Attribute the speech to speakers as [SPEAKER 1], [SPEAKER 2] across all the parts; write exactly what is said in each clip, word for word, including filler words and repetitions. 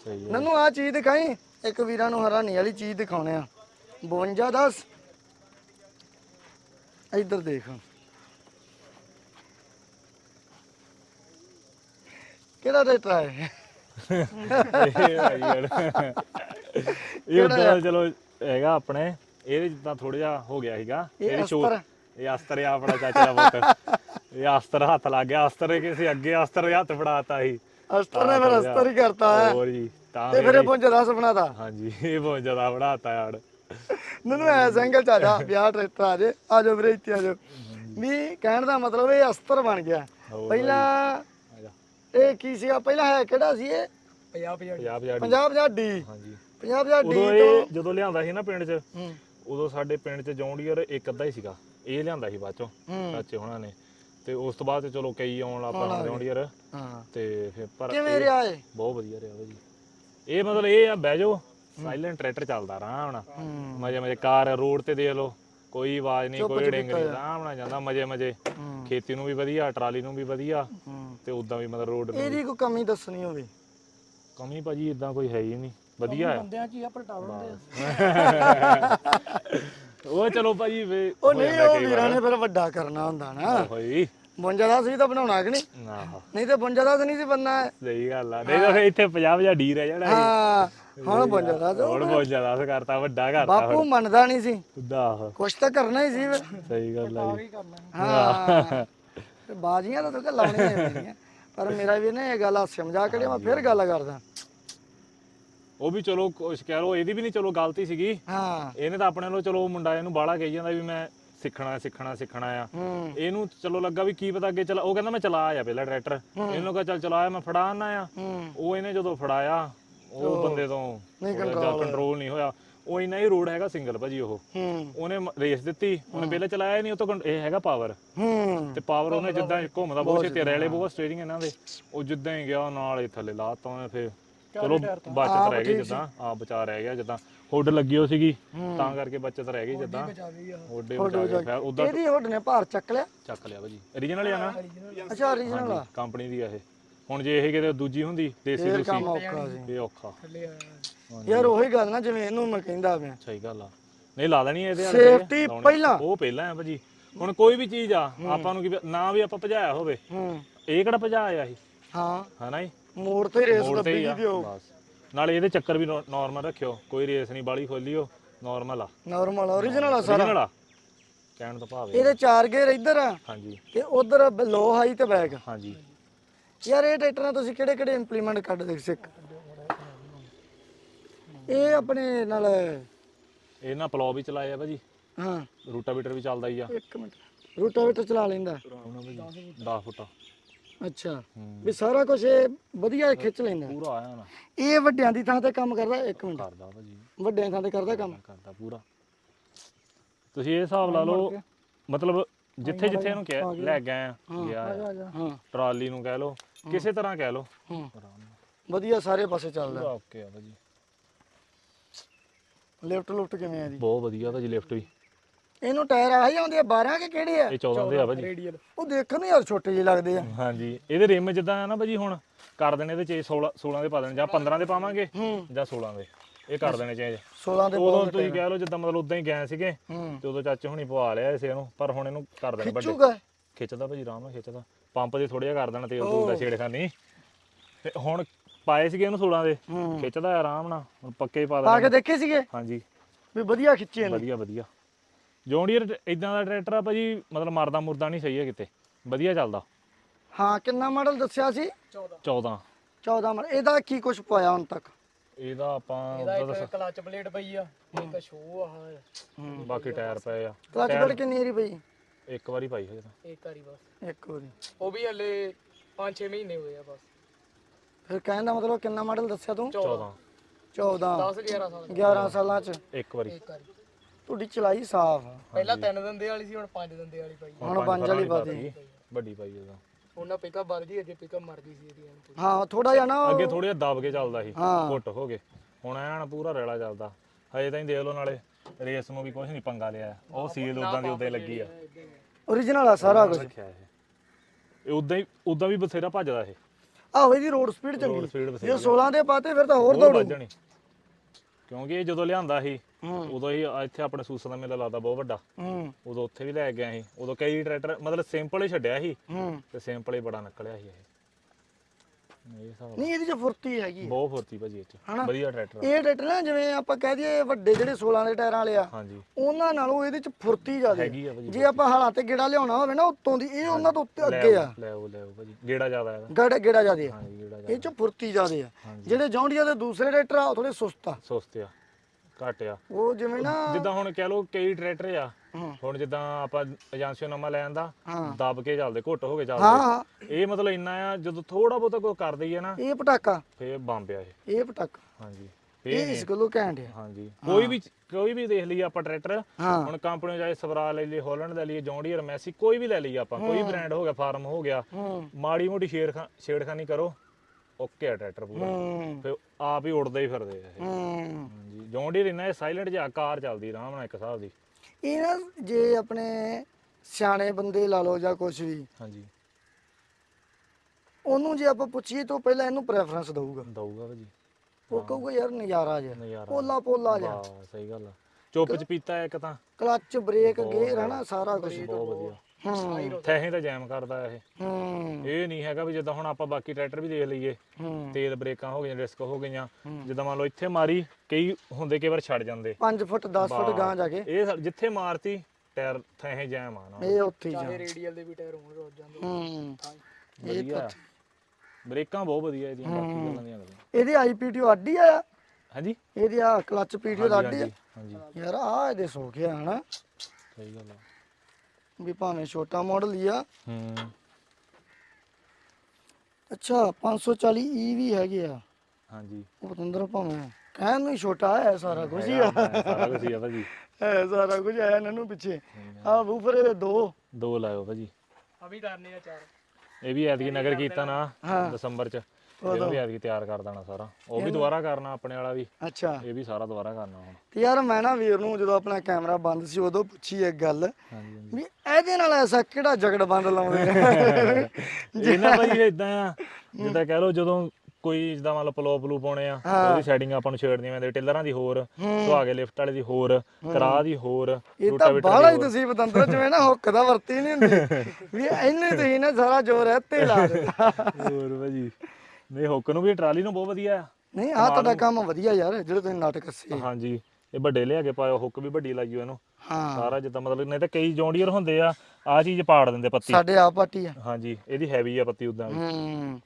[SPEAKER 1] ਨਨੂੰ ਆ ਚੀਜ਼ ਦਿਖਾਈ ਇੱਕ ਵੀਰਾਂ ਨੂੰ ਹੈਰਾਨੀ ਵਾਲੀ ਚੀਜ਼ ਦਿਖਾਉਣੇ ਆ ਬਵੰਜਾ ਦਸ ਇੱਧਰ ਦੇਖ ਕਿਹੜਾ ਰੇਟ ਹੈ
[SPEAKER 2] ਇਹ ਉਦਾਂ ਚਲੋ ਹੈਗਾ ਆਪਣੇ ਇਹਦੇ ਜਿੱਦਾਂ ਥੋੜਾ ਜਿਹਾ ਹੋ ਗਿਆ ਸੀਗਾ
[SPEAKER 1] ਇਹ ਅਸਤਰ
[SPEAKER 2] ਇਹ ਅਸਤਰ ਆ ਆਪਣਾ ਚਾਚੇ ਦਾ ਪੁੱਤ ਇਹ ਅਸਤਰ ਹੱਥ ਲੱਗ ਗਿਆ ਅਸਤਰ ਕਿਸੇ ਅੱਗੇ ਅਸਤਰ ਹੱਥ ਫੜਾਤਾ ਸੀ
[SPEAKER 1] ਅਸਤਰ ਨੇ ਫਿਰ ਅਸਤਰ ਹੀ ਕਰਤਾ ਹੈ
[SPEAKER 2] ਹੋਰ ਜੀ ਤਾਂ
[SPEAKER 1] ਤੇ ਫਿਰ ਇਹ ਬਵੰਜਾ ਦਸ ਬਣਾਤਾ
[SPEAKER 2] ਹਾਂਜੀ ਇਹ ਬਹੁਤ ਜ਼ਿਆਦਾ ਬਣਾਤਾ ਯਾਰ
[SPEAKER 1] ਮੈਨੂੰ ਐ ਸਿੰਗਲ ਚ ਆ ਜਾ ਵਿਆਹ ਟਰੈਕਟਰ ਆ ਜੇ ਆ ਜਾਓ ਵੀਰੇ ਇੱਥੇ ਆ ਜਾਓ ਵੀ ਕਹਿਣ ਦਾ ਮਤਲਬ ਇਹ ਅਸਤਰ ਬਣ ਗਿਆ ਪਹਿਲਾਂ ਇਹ ਕੀ ਸੀਗਾ ਪਹਿਲਾਂ ਹੈ ਕਿਹੜਾ ਸੀ ਇਹ
[SPEAKER 2] ਪੰਜਾਹ ਪੰਜਾਹ
[SPEAKER 1] ਪੰਜਾਹ ਪੰਜਾਹ ਡੀ
[SPEAKER 2] ਹਾਂਜੀ
[SPEAKER 1] ਪੰਜਾਹ ਪੰਜਾਹ ਡੀ
[SPEAKER 2] ਉਦੋਂ
[SPEAKER 1] ਤੋਂ
[SPEAKER 2] ਇਹ ਜਦੋਂ ਲਿਆਂਦਾ ਸੀ ਨਾ ਪਿੰਡ 'ਚ
[SPEAKER 1] ਹੂੰ
[SPEAKER 2] ਉਦੋਂ ਸਾਡੇ ਪਿੰਡ 'ਚ ਜੌਂਡੀਅਰ ਇੱਕ ਅੱਧਾ ਹੀ ਸੀਗਾ ਇਹ ਲਿਆਂਦਾ ਸੀ ਬਾਅਦ ਚੋਂ ਚਾਚੇ ਹੁਣਾਂ ਨੇ ਤੇ ਉਸ ਤੋਂ ਬਾਅਦ ਚਲੋ ਕਈ ਆਉਣ ਲੱਗ ਪਏ ਜੌਂਡੀਅਰ
[SPEAKER 1] ਹਾਂ
[SPEAKER 2] ਤੇ ਫਿਰ ਪਰ
[SPEAKER 1] ਕਿਵੇਂ ਰਿਹਾ ਇਹ
[SPEAKER 2] ਬਹੁਤ ਵਧੀਆ ਰਿਹਾ ਜੀ ਇਹ ਮਤਲਬ ਇਹ ਆ ਬਹਿ ਜਾਓ ਸਾਇਲੈਂਟ ਟਰੈਕਟਰ ਚੱਲਦਾ ਆਰਾਮ ਨਾਲ ਮਜ਼ੇ ਮਜ਼ੇ ਕਾਰ ਰੋਡ ਤੇ ਦੇ ਲਓ ਕੋਈ ਆਵਾਜ਼ ਨਹੀਂ ਕੋਈ ਡਿੰਗ ਨਹੀਂ ਆਰਾਮ ਨਾਲ ਜਾਂਦਾ ਮਜ਼ੇ ਮਜ਼ੇ ਖੇਤੀ ਨੂੰ ਵੀ ਵਧੀਆ ਟਰਾਲੀ ਨੂੰ ਵੀ ਵਧੀਆ ਤੇ ਉਦਾਂ ਵੀ ਮਤਲਬ ਰੋਡ
[SPEAKER 1] ਇਹਦੀ ਕੋਈ ਕਮੀ ਦੱਸਣੀ ਹੋਵੇ
[SPEAKER 2] ਕਮੀ ਭਾਜੀ ਇਦਾਂ ਕੋਈ ਹੈ ਹੀ ਨਹੀਂ ਵਧੀਆ ਹੈ
[SPEAKER 1] ਬੰਦਿਆਂ 'ਚ ਹੀ ਆ ਪਲਟਾਵ ਹੁੰਦੇ
[SPEAKER 2] ਉਹ ਚਲੋ ਭਾਜੀ ਵੇ
[SPEAKER 1] ਉਹ ਨਹੀਂ ਉਹ ਵੀਰਾਂ ਨੇ ਫਿਰ ਵੱਡਾ ਕਰਨਾ ਹੁੰਦਾ ਨਾ
[SPEAKER 2] ਹੋਈ
[SPEAKER 1] ਬਵੰਜਾ ਦਸ ਵੀ ਤਾਂ ਬਣਾਉਣਾ ਕਿ ਨਹੀਂ
[SPEAKER 2] ਆਹੋ
[SPEAKER 1] ਨਹੀਂ ਤੇ ਬਵੰਜਾ ਦਸ ਨਹੀਂ ਸੀ ਬੰਨਾ
[SPEAKER 2] ਸਹੀ ਗੱਲ ਆ ਨਹੀਂ ਤਾਂ ਫਿਰ ਇੱਥੇ ਪੰਜਾਹ ਪੰਜਾਹ ਡੀ ਰਹਿ ਜਾਣਾ
[SPEAKER 1] ਹਾਂ ਹੁਣ ਬਵੰਜਾ ਦਸ
[SPEAKER 2] ਹੁਣ ਬਹੁਤ ਜ਼ਿਆਦਾ ਕਰਤਾ ਵੱਡਾ ਕਰਤਾ
[SPEAKER 1] ਬਾਪੂ ਮੰਨਦਾ ਨਹੀਂ ਸੀ
[SPEAKER 2] ਉਦਾਂ
[SPEAKER 1] ਕੁਛ ਤਾਂ ਕਰਨਾ ਹੀ ਸੀ ਫਿਰ
[SPEAKER 2] ਸਹੀ ਗੱਲ ਆ ਜੀ
[SPEAKER 1] ਹਾਂ ਤੇ ਬਾਜ਼ੀਆਂ ਤਾਂ ਤੂੰ ਲਾਉਣੀਆਂ ਪੈਣੀਆਂ ਪਰ ਮੇਰਾ ਵੀ ਨਾ ਇਹ ਗੱਲ ਹਾਸੇ ਮਜ਼ਾਕ ਕਰਿਆ ਮੈਂ ਫਿਰ ਗੱਲ ਕਰਦਾ
[SPEAKER 2] ਉਹ ਵੀ ਚਲੋ ਕੁਛ ਕਹਿ ਲੋ ਇਹਦੀ ਵੀ ਨਹੀਂ ਚਲੋ ਗਲਤੀ ਸੀਗੀ
[SPEAKER 1] ਹਾਂ
[SPEAKER 2] ਇਹਨੇ ਤਾਂ ਆਪਣੇ ਨਾਲੋਂ ਚਲੋ ਮੁੰਡਾ ਇਹਨੂੰ ਬਾਹਲਾ ਕਹੀ ਜਾਂਦਾ ਵੀ ਮੈਂ ਸਿੱਖਣਾ ਸਿੱਖਣਾ ਸਿੱਖਣਾ ਆ
[SPEAKER 1] ਹੂੰ
[SPEAKER 2] ਇਹਨੂੰ ਚਲੋ ਲੱਗਾ ਵੀ ਕੀ ਪਤਾ ਅੱਗੇ ਚਲਾ ਉਹ ਕਹਿੰਦਾ ਮੈਂ ਚਲਾ ਆ ਪਹਿਲਾਂ ਟਰੈਕਟਰ ਇਹਨੂੰ ਕਹਾ ਚੱਲ ਚਲਾਇਆ ਮੈਂ ਫੜਾ ਆਣਾ ਆ
[SPEAKER 1] ਹੂੰ
[SPEAKER 2] ਉਹ ਇਹਨੇ ਜਦੋਂ ਫੜਾਇਆ ਉਹ ਬੰਦੇ ਤੋਂ ਕੰਟਰੋਲ ਨਹੀਂ ਹੋਇਆ ਉਹ ਇੰਨਾ ਹੀ ਰੋਡ ਹੈਗਾ ਸਿੰਗਲ ਭਾਜੀ ਉਹ
[SPEAKER 1] ਹੂੰ
[SPEAKER 2] ਉਹਨੇ ਰੇਸ ਦਿੱਤੀ ਉਹਨੇ ਪਹਿਲਾਂ ਚਲਾਇਆ ਨਹੀਂ ਉਹ ਤੋਂ ਇਹ ਹੈਗਾ ਪਾਵਰ
[SPEAKER 1] ਹੂੰ
[SPEAKER 2] ਤੇ ਪਾਵਰ ਉਹਨੇ ਜਿੱਦਾਂ ਘੁੰਮਦਾ ਬਹੁਤ ਛੇਤੀ ਰੈਲੇ ਬਹੁਤ ਸਟੀਅਰਿੰਗ ਇਹਨਾਂ ਦੇ ਉਹ ਜਿੱਦਾਂ ਹੀ ਗਿਆ ਨਾਲ ਹੀ ਥੱਲੇ ਲਾਤਾ ਉਹਨੇ ਫਿਰ ਚਲੋ ਬਚਤ ਰਹਿ ਗਈ ਜਿੱਦਾਂ ਆ ਬਚਾ ਰਹਿ ਗਿਆ ਜਿੱਦਾਂ ਹੁੱਡ ਲੱਗੀ ਹੋ ਸੀਗੀ ਤਾਂ ਕਰਕੇ ਬਚਤ ਰਹਿ ਗਈ ਜਿੱਦਾਂ ਹੁੱਡੇ ਬਚਾ ਗਿਆ ਫਿਰ ਉਦਾਂ
[SPEAKER 1] ਇਹਦੀ ਹੁੱਡ ਨੇ ਭਾਰ ਚੱਕ ਲਿਆ
[SPEAKER 2] ਚੱਕ ਲਿਆ ਭਾਜੀ ਓਰੀਜਨਲ ਆ ਨਾ
[SPEAKER 1] ਅੱਛਾ ਓਰੀਜਨਲ ਆ
[SPEAKER 2] ਕੰਪਨੀ ਦੀ ਆ ਇਹ ਹੁਣ ਜੇ ਇਹ ਕਿਤੇ ਦੂਜੀ ਹੁੰਦੀ ਦੇਸੀ
[SPEAKER 1] ਇਹ
[SPEAKER 2] ਦੂਸੀ
[SPEAKER 1] ਕੰਮ ਔਖਾ ਸੀ
[SPEAKER 2] ਇਹ ਔਖਾ
[SPEAKER 1] ਯਾਰ ਉਹੀ ਗੱਲ ਨਾ ਜਿਵੇਂ ਇਹਨੂੰ ਮੈਂ ਕਹਿੰਦਾ ਪਿਆ
[SPEAKER 2] ਸਹੀ ਗੱਲ ਆ ਨਹੀਂ ਲਾ ਲੈਣੀ ਇਹਦੇ
[SPEAKER 1] ਸੇਫਟੀ ਪਹਿਲਾਂ
[SPEAKER 2] ਉਹ ਪਹਿਲਾਂ ਆ ਭਾਜੀ ਹੁਣ ਕੋਈ ਵੀ ਚੀਜ਼ ਆ ਆਪਾਂ ਨੂੰ ਕੀ ਨਾ ਵੀ ਆਪਾਂ ਭਜਾਇਆ ਹੋਵੇ
[SPEAKER 1] ਹੂੰ
[SPEAKER 2] ਇਹ ਕਿਹੜਾ ਭਜਾਇਆ ਸੀ
[SPEAKER 1] ਹਾਂ
[SPEAKER 2] ਹਨਾ ਜੀ
[SPEAKER 1] ਮੋੜ ਤੇ ਰੇਸ
[SPEAKER 2] ਮੋੜ ਤੇ
[SPEAKER 1] ਲੱਭੀ
[SPEAKER 2] ਹੀ ਆ
[SPEAKER 1] ਦਿਓ
[SPEAKER 2] ਬਸ ਨਾਲੇ ਇਹਦੇ ਚੱਕਰ ਵੀ ਨਾਰਮਲ ਰੱਖਿਓ ਕੋਈ ਰੇਸ ਨਹੀਂ ਬਾਲੀ ਖੋਲੀਓ ਨਾਰਮਲ ਆ
[SPEAKER 1] ਨਾਰਮਲ ਓਰੀਜਨਲ ਆ ਸਾਰਾ
[SPEAKER 2] original ਆ ਕਹਿਣ ਦਾ ਭਾਵ ਇਹ
[SPEAKER 1] ਇਹਦੇ ਚਾਰ ਗੇਅਰ ਇੱਧਰ ਆ
[SPEAKER 2] ਹਾਂਜੀ
[SPEAKER 1] ਤੇ ਉਧਰ ਲੋ ਹਾਈ ਤੇ ਬੈਕ
[SPEAKER 2] ਹਾਂਜੀ
[SPEAKER 1] ਯਾਰ ਇਹ ਟਰੈਕਟਰ ਨਾਲ ਤੁਸੀਂ ਕਿਹੜੇ ਕਿਹੜੇ ਇੰਪਲੀਮੈਂਟ ਕੱਢ ਦੇ ਸਿੱਖ ਇਹ ਆਪਣੇ ਨਾਲ
[SPEAKER 2] ਇਹ ਨਾ ਪਲੋ ਵੀ ਚਲਾਏ ਆ ਭਾਜੀ
[SPEAKER 1] ਹਾਂ
[SPEAKER 2] ਰੂਟਾਵੀਟਰ ਵੀ ਚੱਲਦਾ ਹੀ ਆ
[SPEAKER 1] ਇੱਕ ਮਿੰਟ ਰੂਟਾਵੇਟਰ ਚਲਾ ਲੈਂਦਾ
[SPEAKER 2] ਦਸ ਫੁੱਟ
[SPEAKER 1] ਅੱਛਾ ਵੀ ਸਾਰਾ ਕੁਝ ਇਹ ਵਧੀਆ ਖਿੱਚ ਲੈਂਦਾ
[SPEAKER 2] ਪੂਰਾ ਆਇਆ ਨਾ
[SPEAKER 1] ਇਹ ਵੱਡਿਆਂ ਦੀ ਥਾਂ ਤੇ ਕੰਮ ਕਰਦਾ ਇੱਕ ਮਿੰਟ
[SPEAKER 2] ਕਰਦਾ ਭਾਜੀ
[SPEAKER 1] ਵੱਡਿਆਂ ਥਾਂ ਤੇ ਕਰਦਾ ਕੰਮ
[SPEAKER 2] ਕਰਦਾ ਪੂਰਾ ਤੁਸੀਂ ਇਹ ਹਿਸਾਬ ਲਾ ਲਓ ਮਤਲਬ ਜਿੱਥੇ ਜਿੱਥੇ ਇਹਨੂੰ ਕਿਹਾ ਲੈ ਗਏ ਆ ਗਿਆ
[SPEAKER 1] ਹਾਂ
[SPEAKER 2] ਟਰਾਲੀ ਨੂੰ ਕਹਿ ਲਓ ਕਿਸੇ ਤਰ੍ਹਾਂ ਕਹਿ ਲਓ
[SPEAKER 1] ਹੂੰ ਵਧੀਆ ਸਾਰੇ ਪਾਸੇ ਚੱਲਦਾ
[SPEAKER 2] ਪੂਰਾ ਓਕੇ ਆ ਭਾਜੀ
[SPEAKER 1] ਲਿਫਟ ਲੁਫਟ ਕਿਵੇਂ ਆ ਜੀ
[SPEAKER 2] ਬਹੁਤ ਵਧੀਆ ਭਾਜੀ ਲਿਫਟ ਵੀ
[SPEAKER 1] ਇਹਨੂੰ ਟਾਇਰ ਆਹੀ ਆਉਂਦੇ ਆ ਬਾਰਾਂ ਕਿ ਕਿਹੜੇ ਆ
[SPEAKER 2] ਇਹ ਚੌਦਾਂ ਦੇ ਆ ਭਾਜੀ
[SPEAKER 1] ਉਹ ਦੇਖਣ ਨੂੰ ਯਾਰ ਛੋਟੇ ਜਿਹੇ ਲੱਗਦੇ ਆ
[SPEAKER 2] ਹਾਂਜੀ ਇਹਦੇ ਰਿਮ ਜਿੱਦਾਂ ਆ ਨਾ ਭਾਜੀ ਹੁਣ ਕਰ ਦੇਣੇ ਇਹਦੇ ਚ ਸੋਲਾਂ ਸੋਲਾਂ ਦੇ ਪਾ ਦੇਣੇ ਜਾਂ ਪੰਦਰਾਂ ਦੇ ਪਾਵਾਂਗੇ ਜਾਂ ਸੋਲਾਂ ਦੇ ਇਹ ਕਰ ਦੇਣੇ ਚੇਂਜ
[SPEAKER 1] ਸੋਲਾਂ ਦੇ
[SPEAKER 2] ਉਦੋਂ ਤੁਸੀਂ ਕਹਿ ਲਓ ਜਿੱਦਾਂ ਮਤਲਬ ਉਦਾਂ ਹੀ ਗਏ ਸੀਗੇ
[SPEAKER 1] ਹੂੰ
[SPEAKER 2] ਤੇ ਉਦੋਂ ਚਾਚੇ ਹੁਣੀ ਪਵਾ ਲਿਆ ਇਸੇ ਨੂੰ ਪਰ ਹੁਣ ਇਹਨੂੰ ਕਰ ਦੇਣੇ ਵੱਡੇ
[SPEAKER 1] ਖਿੱਚੂਗਾ
[SPEAKER 2] ਖਿੱਚਦਾ ਭਾਜੀ ਆਰਾਮ ਨਾਲ ਖਿੱਚਦਾ ਪੰਪ ਦੇ ਥੋੜਾ ਜਿਹਾ ਕਰ ਦੇਣਾ ਤੇਲ ਤੂਲ ਦਾ ਛੇੜਖਾਨੀ ਤੇ ਹੁਣ ਪਾਏ ਸੀਗੇ ਇਹਨੂੰ ਸੋਲਾਂ ਦੇ ਖਿੱਚਦਾ ਆਰਾਮ ਨਾਲ ਹੁਣ ਪੱਕੇ ਪਾ
[SPEAKER 1] ਪਾ
[SPEAKER 2] ਦੇਣਾ
[SPEAKER 1] ਕੇ ਦੇਖੇ ਸੀਗੇ
[SPEAKER 2] ਹਾਂਜੀ
[SPEAKER 1] ਵੀ ਵਧੀਆ ਖਿੱਚੇ ਨੇ
[SPEAKER 2] ਵਧੀਆ ਵਧੀਆ ਜੌਂਡੀਅਰ ਇਦਾਂ ਦਾ ਟਰੈਕਟਰ ਆ ਭਾਜੀ ਮਤਲਬ ਮਰਦਾ ਮੁਰਦਾ ਨਹੀਂ ਸਹੀ ਹੈ ਕਿਤੇ ਵਧੀਆ ਚੱਲਦਾ
[SPEAKER 1] ਹਾਂ ਕਿੰਨਾ ਮਾਡਲ ਦੱਸਿਆ ਸੀ
[SPEAKER 2] ਚੌਦਾਂ
[SPEAKER 1] ਚੌਦਾਂ ਮਾਡਲ ਇਹਦਾ ਕੀ ਕੁਝ ਪਾਇਆ ਹੁਣ ਤੱਕ
[SPEAKER 2] ਇਹਦਾ ਆਪਾਂ
[SPEAKER 3] ਇਹਦਾ ਇੱਕ ਕਲਚ ਪਲੇਟ ਪਈ ਆ ਇੱਕ ਸ਼ੋ ਆ
[SPEAKER 2] ਬਾਕੀ ਟਾਇਰ ਪਏ ਆ
[SPEAKER 1] ਕਲਚ ਪਲੇਟ ਕਿੰਨੀ ਏਰੀ ਪਈ
[SPEAKER 2] ਇੱਕ ਵਾਰੀ ਪਾਈ ਹੋਈ ਤਾਂ
[SPEAKER 3] ਇੱਕ ਵਾਰੀ ਬਸ
[SPEAKER 1] ਇੱਕ ਵਾਰੀ
[SPEAKER 3] ਉਹ ਵੀ ਹਲੇ ਪੰਜ ਛੇ ਮਹੀਨੇ ਹੋਏ ਆ ਬਸ
[SPEAKER 1] ਫਿਰ ਕਹਿਣ ਦਾ ਮਤਲਬ ਕਿੰਨਾ ਮਾਡਲ ਦੱਸਿਆ ਤੂੰ
[SPEAKER 2] ਚੌਦਾਂ
[SPEAKER 1] ਚੌਦਾਂ
[SPEAKER 3] ਦਸ ਗਿਆਰਾਂ ਸਾਲ
[SPEAKER 1] ਗਿਆਰਾਂ ਸਾਲਾਂ ਚ
[SPEAKER 2] ਇੱਕ ਵਾਰੀ
[SPEAKER 3] ਇੱਕ ਵਾਰੀ
[SPEAKER 1] ਤੁਹਾਡੀ ਚਲਾਈ ਸਾਫ਼ ਆ
[SPEAKER 3] ਪਹਿਲਾਂ ਤਿੰਨ ਦੰਦੇ ਵਾਲੀ ਸੀ ਹੁਣ ਪੰਜ ਦੰਦੇ ਵਾਲੀ ਪਾਈ
[SPEAKER 1] ਹੁਣ ਪੰਜ ਵਾਲੀ ਪਾਤੀ
[SPEAKER 2] ਵੱਡੀ ਪਾਈ ਉਹਦਾ
[SPEAKER 3] ਉਹਨਾਂ ਪਿਕਅਪ ਵੱਧ ਗਈ ਅੱਗੇ ਪਿਕਅਪ ਮਰ ਗਈ ਸੀ ਇਹਦੀ ਐਨ
[SPEAKER 1] ਹਾਂ ਥੋੜਾ ਜਿਹਾ ਨਾ
[SPEAKER 2] ਅੱਗੇ ਥੋੜਾ ਜਿਹਾ ਦਬ ਕੇ ਚੱਲਦਾ ਸੀ
[SPEAKER 1] ਹਾਂ।
[SPEAKER 2] ਘੁੱਟ ਹੋ ਗਏ ਹੁਣ ਐਨ ਪੂਰਾ ਰੇਲਾ ਚੱਲਦਾ ਹਜੇ ਤਾਂ ਹੀ ਦੇਖ ਲਓ ਨਾਲੇ ਰੇਸ ਨੂੰ ਵੀ ਕੁਝ ਨਹੀਂ ਪੰਗਾ ਲਿਆ ਉਹ ਸੀਲ ਉਦਾਂ ਦੀ ਉਦਾਂ ਹੀ ਲੱਗੀ ਆ
[SPEAKER 1] ਓਰੀਜਨਲ ਆ ਸਾਰਾ ਕੁਝ
[SPEAKER 2] ਰੱਖਿਆ ਇਹ ਇਹ ਉਦਾਂ ਹੀ ਉਦਾਂ ਵੀ ਬਥੇਰਾ ਭੱਜਦਾ ਇਹ
[SPEAKER 1] ਆਹੋ ਇਹਦੀ ਰੋਡ ਸਪੀਡ
[SPEAKER 2] ਰੋਡ
[SPEAKER 1] ਚੰਗੀ
[SPEAKER 2] ਸਪੀਡ
[SPEAKER 1] ਜੇ
[SPEAKER 2] ਬਥੇਰੀ
[SPEAKER 1] ਸੋਲਾਂ ਦੇ ਪਾਤੇ ਫਿਰ ਤਾਂ ਹੋਰ
[SPEAKER 2] ਹੋਰ
[SPEAKER 1] ਦੌੜੂ
[SPEAKER 2] ਵੱਜ ਜਾਣੀ ਕਿਉਂਕਿ ਇਹ ਜਦੋਂ ਲਿਆਂਦਾ ਸੀ
[SPEAKER 1] ਹੂੰ
[SPEAKER 2] ਉਦੋਂ ਹੀ ਇੱਥੇ ਆਪਣੇ ਸੂਸਾਂ ਦਾ ਮੇਲਾ ਲੱਗਦਾ ਬਹੁਤ ਵੱਡਾ
[SPEAKER 1] ਹੂੰ
[SPEAKER 2] ਉਦੋਂ ਉੱਥੇ ਵੀ ਲੈ ਗਿਆ ਸੀ ਉਦੋਂ ਕਈ ਟਰੈਕਟਰ ਮਤਲਬ ਸਿੰਪਲ ਹੀ ਛੱਡਿਆ ਸੀ
[SPEAKER 1] ਹੂੰ
[SPEAKER 2] ਤੇ ਸਿੰਪਲ ਹੀ ਬੜਾ ਨਿਕਲਿਆ ਸੀ ਇਹ ਇਹ ਹਿਸਾਬ
[SPEAKER 1] ਨਹੀਂ ਇਹਦੀ ਚ ਫੁਰਤੀ ਹੈਗੀ ਆ।
[SPEAKER 2] ਬਹੁਤ ਫੁਰਤੀ ਭਾਜੀ ਇਹ ਚ
[SPEAKER 1] ਹਨਾ?
[SPEAKER 2] ਵਧੀਆ ਟਰੈਕਟਰ ਆ।
[SPEAKER 1] ਇਹ ਟਰੈਕਟਰ ਨਾ ਜਿਵੇਂ ਆਪਾਂ ਕਹਿ ਦਈਏ ਵੱਡੇ ਜਿਹੜੇ ਸੋਲਾਂ ਦੇ ਟਾਇਰਾਂ ਵਾਲੇ ਆ
[SPEAKER 2] ਹਾਂਜੀ
[SPEAKER 1] ਉਹਨਾਂ ਨਾਲੋਂ ਇਹਦੇ ਚ ਫੁਰਤੀ ਜ਼ਿਆਦਾ
[SPEAKER 2] ਹੈਗੀ ਆ ਭਾਜੀ
[SPEAKER 1] ਜੇ ਆਪਾਂ ਹਾਲਾਂ ਤੇ ਗੇੜਾ ਲਿਆਉਣਾ ਹੋਵੇ ਨਾ ਉੱਤੋਂ ਦੀ ਇਹ ਉਹਨਾਂ ਤੋਂ ਉੱਤੇ
[SPEAKER 2] ਲੈ
[SPEAKER 1] ਅੱਗੇ
[SPEAKER 2] ਆਓ,
[SPEAKER 1] ਆ
[SPEAKER 2] ਲੈ ਆਓ ਲੈ ਆਓ ਭਾਜੀ ਗੇੜਾ ਜ਼ਿਆਦਾ ਇਹਦਾ
[SPEAKER 1] ਗੜ ਗੇੜਾ ਜ਼ਿਆਦੇ ਆ
[SPEAKER 2] ਹਾਂਜੀ ਗੇੜਾ
[SPEAKER 1] ਇਹ
[SPEAKER 2] ਜ਼ਿਆਦਾ
[SPEAKER 1] ਚ ਫੁਰਤੀ ਜ਼ਿਆਦੇ ਆ
[SPEAKER 2] ਹਾਂਜੀ
[SPEAKER 1] ਜਿਹੜੇ ਜੌਂਡੀਆਂ ਦੇ ਦੂਸਰੇ ਟਰੈਕਟਰ ਆ ਉਹ ਥੋੜੇ ਸੁਸਤ ਆ
[SPEAKER 2] ਸੁਸਤ ਆ ਘੱਟ ਆ
[SPEAKER 1] ਉਹ ਜਿਵੇਂ ਨਾ
[SPEAKER 2] ਜਿੱਦਾਂ ਹੁਣ ਕਹਿ ਲਓ ਕਈ ਟਰੈਕਟਰ ਆ
[SPEAKER 1] ਹੂੰ।
[SPEAKER 2] ਹੁਣ ਜਿੱਦਾਂ ਆਪਾਂ ਏਜੰਸੀਓ ਨਵਾਂ ਲੈ ਆਂਦਾ
[SPEAKER 1] ਹਾਂ
[SPEAKER 2] ਦੱਬ ਕੇ ਚੱਲਦੇ ਘੁੱਟ ਹੋ ਕੇ
[SPEAKER 1] ਹਾਂ
[SPEAKER 2] ਚੱਲਦੇ
[SPEAKER 1] ਹਾਂ
[SPEAKER 2] ਇਹ ਮਤਲਬ ਇੰਨਾ ਆ ਜਦੋਂ ਥੋੜਾ ਬਹੁਤਾ ਕੋਈ ਕਰ ਦਈਏ ਨਾ
[SPEAKER 1] ਇਹ ਪਟਾਕਾ
[SPEAKER 2] ਫੇਰ ਬੰਬ ਆ ਇਹ
[SPEAKER 1] ਇਹ ਪਟਾਕਾ
[SPEAKER 2] ਹਾਂਜੀ
[SPEAKER 1] ਇਹ
[SPEAKER 2] ਫੇਰ
[SPEAKER 1] ਇਸ ਗੱਲੋਂ ਘੈਂਟ ਆ
[SPEAKER 2] ਹਾਂਜੀ ਕੋਈ ਵੀ ਕੋਈ ਵੀ ਦੇਖ ਲਈਏ ਆਪਾਂ ਟਰੈਕਟਰ
[SPEAKER 1] ਹਾਂ
[SPEAKER 2] ਹੁਣ ਕੰਪਨੀ ਚਾਹੇ ਸਵਰਾ ਲੈ ਲਈ ਹਾਲੈਂਡ ਲੈ ਲਈਏ ਜੌਂਡੀਅਰ ਮੈਸੀ ਕੋਈ ਵੀ ਲੈ ਲਈਏ ਆਪਾਂ ਕੋਈ ਬ੍ਰਾਂਡ ਹੋ ਗਿਆ ਫਾਰਮ ਹੋ ਗਿਆ
[SPEAKER 1] ਹੂੰ
[SPEAKER 2] ਮਾੜੀ ਮੋਟੀ ਛੇੜਖਾ ਛੇੜਖਾਨੀ ਕਰੋ ਓਕੇ ਆ ਟਰੈਕਟਰ ਪੂਰਾ
[SPEAKER 1] ਹੂੰ
[SPEAKER 2] ਫੇ ਆਪ ਹੀ ਉੜਦੇ ਹੀ ਫਿਰਦੇ ਆ ਇਹ
[SPEAKER 1] ਹੂੰ
[SPEAKER 2] ਹਾਂਜੀ ਜੌਂਡੀਅਰ ਇੰਨਾ ਇਹ ਸਾਇਲੈਂਟ ਜਿਹਾ ਕਾਰ ਚੱਲਦੀ ਆਰਾਮ ਨਾਲ ਇੱਕ ਹਿਸਾਬ ਦੀ
[SPEAKER 1] ਇਹ ਨਾ ਜੇ ਆਪਣੇ ਸਿਆਣੇ ਬੰਦੇ ਲਾ ਲਓ ਜਾਂ ਕੁਝ ਵੀ
[SPEAKER 2] ਹਾਂਜੀ
[SPEAKER 1] ਉਹਨੂੰ ਜੇ ਆਪਾਂ ਪੁੱਛੀਏ ਤਾਂ ਉਹ ਪਹਿਲਾਂ ਇਹਨੂੰ ਪ੍ਰੈਫਰੈਂਸ ਦਊਗਾ
[SPEAKER 2] ਦਊਗਾ ਭਾਜੀ
[SPEAKER 1] ਉਹ ਕਹੂਗਾ ਯਾਰ ਨਜ਼ਾਰਾ ਜਿਹਾ
[SPEAKER 2] ਨਜ਼ਾਰਾ
[SPEAKER 1] ਪੋਲਾ ਪੋਲਾ ਜਿਹਾ
[SPEAKER 2] ਵਾਹ ਸਹੀ ਗੱਲ ਆ ਚੁੱਪ ਚ ਪੀਤਾ ਇੱਕ ਤਾਂ
[SPEAKER 1] ਕਲੱਚ ਬ੍ਰੇਕ ਗੇਅਰ ਹਨਾ ਸਾਰਾ ਕੁਝ
[SPEAKER 2] ਬਹੁਤ ਵਧੀਆ
[SPEAKER 1] ਹੂੰ
[SPEAKER 2] ਥੈਹੇ ਤਾਂ ਜੈਮ ਕਰਦਾ ਇਹ
[SPEAKER 1] ਹੂੰ
[SPEAKER 2] ਇਹ ਨਹੀਂ ਹੈਗਾ ਵੀ ਜਿੱਦਾਂ ਹੁਣ ਆਪਾਂ ਬਾਕੀ ਟਰੈਕਟਰ ਵੀ ਦੇਖ ਲਈਏ
[SPEAKER 1] ਹੂੰ
[SPEAKER 2] ਤੇਲ ਬ੍ਰੇਕਾਂ ਹੋ ਗਈਆਂ ਡਿਸਕ ਹੋ ਗਈਆਂ ਜਿੱਦਾਂ ਮੰਨ ਲਓ ਇੱਥੇ ਮਾਰੀ ਕਈ ਹੁੰਦੇ ਕਈ ਵਾਰ ਛੱਡ ਜਾਂਦੇ
[SPEAKER 1] ਪੰਜ ਫੁੱਟ ਦਸ ਫੁੱਟ ਗਾਂ ਜਾ ਕੇ
[SPEAKER 2] ਇਹ ਸਾ- ਜਿੱਥੇ ਮਾਰਤੀ ਟਾਇਰ ਥੈਹੇ ਜੈਮ ਆ ਨਾ
[SPEAKER 1] ਇਹ ਉੱਥੇ ਹੀ ਜਾ
[SPEAKER 3] ਚਾਹੇ ਰੇਡੀਅਲ ਦੇ ਵੀ ਟਾਇਰ ਹੋਣ ਰੋਜ਼ ਜਾਂਦੇ
[SPEAKER 1] ਹੂੰ
[SPEAKER 2] ਵਧੀਆ ਬ੍ਰੇਕਾਂ ਬਹੁਤ ਵਧੀਆ ਇਹਦੀਆਂ ਬਾਕੀ ਗੱਲਾਂ ਦੀਆਂ ਗੱਲਾਂ
[SPEAKER 1] ਇਹਦੇ ਆਈਪੀਟੀਓ ਅੱਡੀ ਆਇਆ
[SPEAKER 2] ਹਾਂਜੀ
[SPEAKER 1] ਇਹਦੀ ਆ ਕਲੱਚ ਪੀਟੀਓ ਦਾ ਅੱਡੀ ਆ
[SPEAKER 2] ਹਾਂਜੀ ਹਾਂਜੀ
[SPEAKER 1] ਯਾਰ ਆ ਇਹਦੇ ਸੋ ਗਿਆ ਹਨਾ
[SPEAKER 2] ਸਹੀ ਗੱਲ ਆ
[SPEAKER 1] ਵੀ ਭਾਵੇਂ ਛੋਟਾ ਮਾਡਲ ਹੀ ਆ
[SPEAKER 2] ਹੂੰ
[SPEAKER 1] ਅੱਛਾ ਪੰਜ ਸੌ ਚਾਲੀ ਈ ਵੀ ਹੈਗੇ ਆ
[SPEAKER 2] ਹਾਂਜੀ
[SPEAKER 1] ਉਹ ਪਤੰਦਰ ਭਾਵੇਂ ਕਹਿਣ ਨੂੰ ਹੀ ਛੋਟਾ ਹੈ ਸਾਰਾ ਕੁਝ ਹੀ ਆ
[SPEAKER 2] ਸਾਰਾ ਕੁਝ ਹੀ ਆ ਭਾਜੀ
[SPEAKER 1] ਹੈ ਸਾਰਾ ਕੁਝ ਆਇਆ ਇਹਨਾਂ ਨੂੰ ਪਿੱਛੇ ਆ ਬੂਫਰ ਇਹਦੇ ਦੋ
[SPEAKER 2] ਦੋ ਲਾਇਓ ਭਾਜੀ
[SPEAKER 3] ਆ ਵੀ ਕਰਨੇ ਆ ਚਾਰ
[SPEAKER 2] ਇਹ ਵੀ ਐਤਕੀ ਨਗਰ ਕੀਰਤਨ ਆ
[SPEAKER 1] ਹਾਂ।
[SPEAKER 2] ਦਸੰਬਰ ਚ ਇਹਨੂੰ ਵੀ ਐਤਕੀ ਤਿਆਰ ਕਰ ਦੇਣਾ ਸਾਰਾ ਉਹ ਵੀ ਦੁਬਾਰਾ ਕਰਨਾ ਆਪਣੇ ਵਾਲਾ ਵੀ
[SPEAKER 1] ਅੱਛਾ
[SPEAKER 2] ਇਹ ਵੀ ਸਾਰਾ ਦੁਬਾਰਾ ਕਰਨਾ ਹੁਣ
[SPEAKER 1] ਤੇ ਯਾਰ ਮੈਂ ਨਾ ਵੀਰ ਨੂੰ ਜਦੋਂ ਆਪਣਾ ਕੈਮਰਾ ਬੰਦ ਸੀ ਉਦੋਂ ਪੁੱਛੀ ਇੱਕ ਗੱਲ
[SPEAKER 2] ਹਾਂਜੀ ਹਾਂਜੀ
[SPEAKER 1] ਵੀ ਇਹਦੇ ਨਾਲ ਐਸਾ ਕਿਹੜਾ ਜਗੜ ਬੰਦ ਲਾਉਂਦੇ ਨੇ
[SPEAKER 2] ਇਹ ਨਾ ਭਾਈ ਇਦਾਂ ਆ ਜਿੱਦਾਂ ਕਹਿ ਲਓ ਜਦੋਂ ਕੋਈ ਜਿੱਦਾਂ ਮੰਨ ਲਓ ਪਲੋ ਪਲੂ ਪਾਉਣੇ ਆ ਉਹਦੀ ਸੈਟਿੰਗ ਆਪਾਂ ਨੂੰ ਛੇੜਨੀ ਪੈਂਦੀ ਟੇਲਰਾਂ ਦੀ ਹੋਰ ਸੁਹਾਗੇ ਲਿਫਟ ਵਾਲੇ ਦੀ ਹੋਰ ਕਰਾ ਦੀ ਹੋਰ
[SPEAKER 1] ਇਹ ਤਾਂ ਬਾਹਲਾ ਹੀ ਤੁਸੀਂ ਪਤੰਦਰ ਜਿਵੇਂ ਨਾ ਹੁੱਕ ਦਾ ਵਰਤੀ ਨਹੀਂ ਹੁੰਦੀ ਵੀ ਇਹਨੇ ਤੁਸੀਂ ਨਾ ਸਾਰਾ ਜ਼ੋਰ ਹੈ ਤੇ ਲਾ ਦਿੱਤਾ
[SPEAKER 2] ਹੋਰ ਭਾਜੀ ਨਹੀਂ ਹੁੱਕ ਨੂੰ ਵੀ ਟਰਾਲੀ ਨੂੰ ਬਹੁਤ ਵਧੀਆ ਆ
[SPEAKER 1] ਨਹੀਂ ਆ ਤੁਹਾਡਾ ਕੰਮ ਵਧੀਆ ਯਾਰ ਜਿਹੜੇ ਤੁਸੀਂ ਨਾਟਕ ਕੱਸੇ
[SPEAKER 2] ਹਾਂਜੀ ਇਹ ਵੱਡੇ ਲਿਆ ਕੇ ਪਾਇਓ ਹੁੱਕ ਵੀ ਵੱਡੀ ਲਾਈਓ ਇਹਨੂੰ
[SPEAKER 1] ਹਾਂ
[SPEAKER 2] ਸਾਰਾ ਜਿੱਦਾਂ ਮਤਲਬ ਨਹੀਂ ਤਾਂ ਕਈ ਜੌਂਡੀਅਰ ਹੁੰਦੇ ਆ ਆ ਚੀਜ਼ ਪਾੜ ਦਿੰਦੇ ਪੱਤੀ
[SPEAKER 1] ਸਾਡੇ ਆ ਪਾਟੀ ਆ
[SPEAKER 2] ਹਾਂਜੀ ਇਹਦੀ ਹੈਵੀ ਆ ਪੱਤੀ ਉਦਾਂ ਵੀ
[SPEAKER 1] ਹੂੰ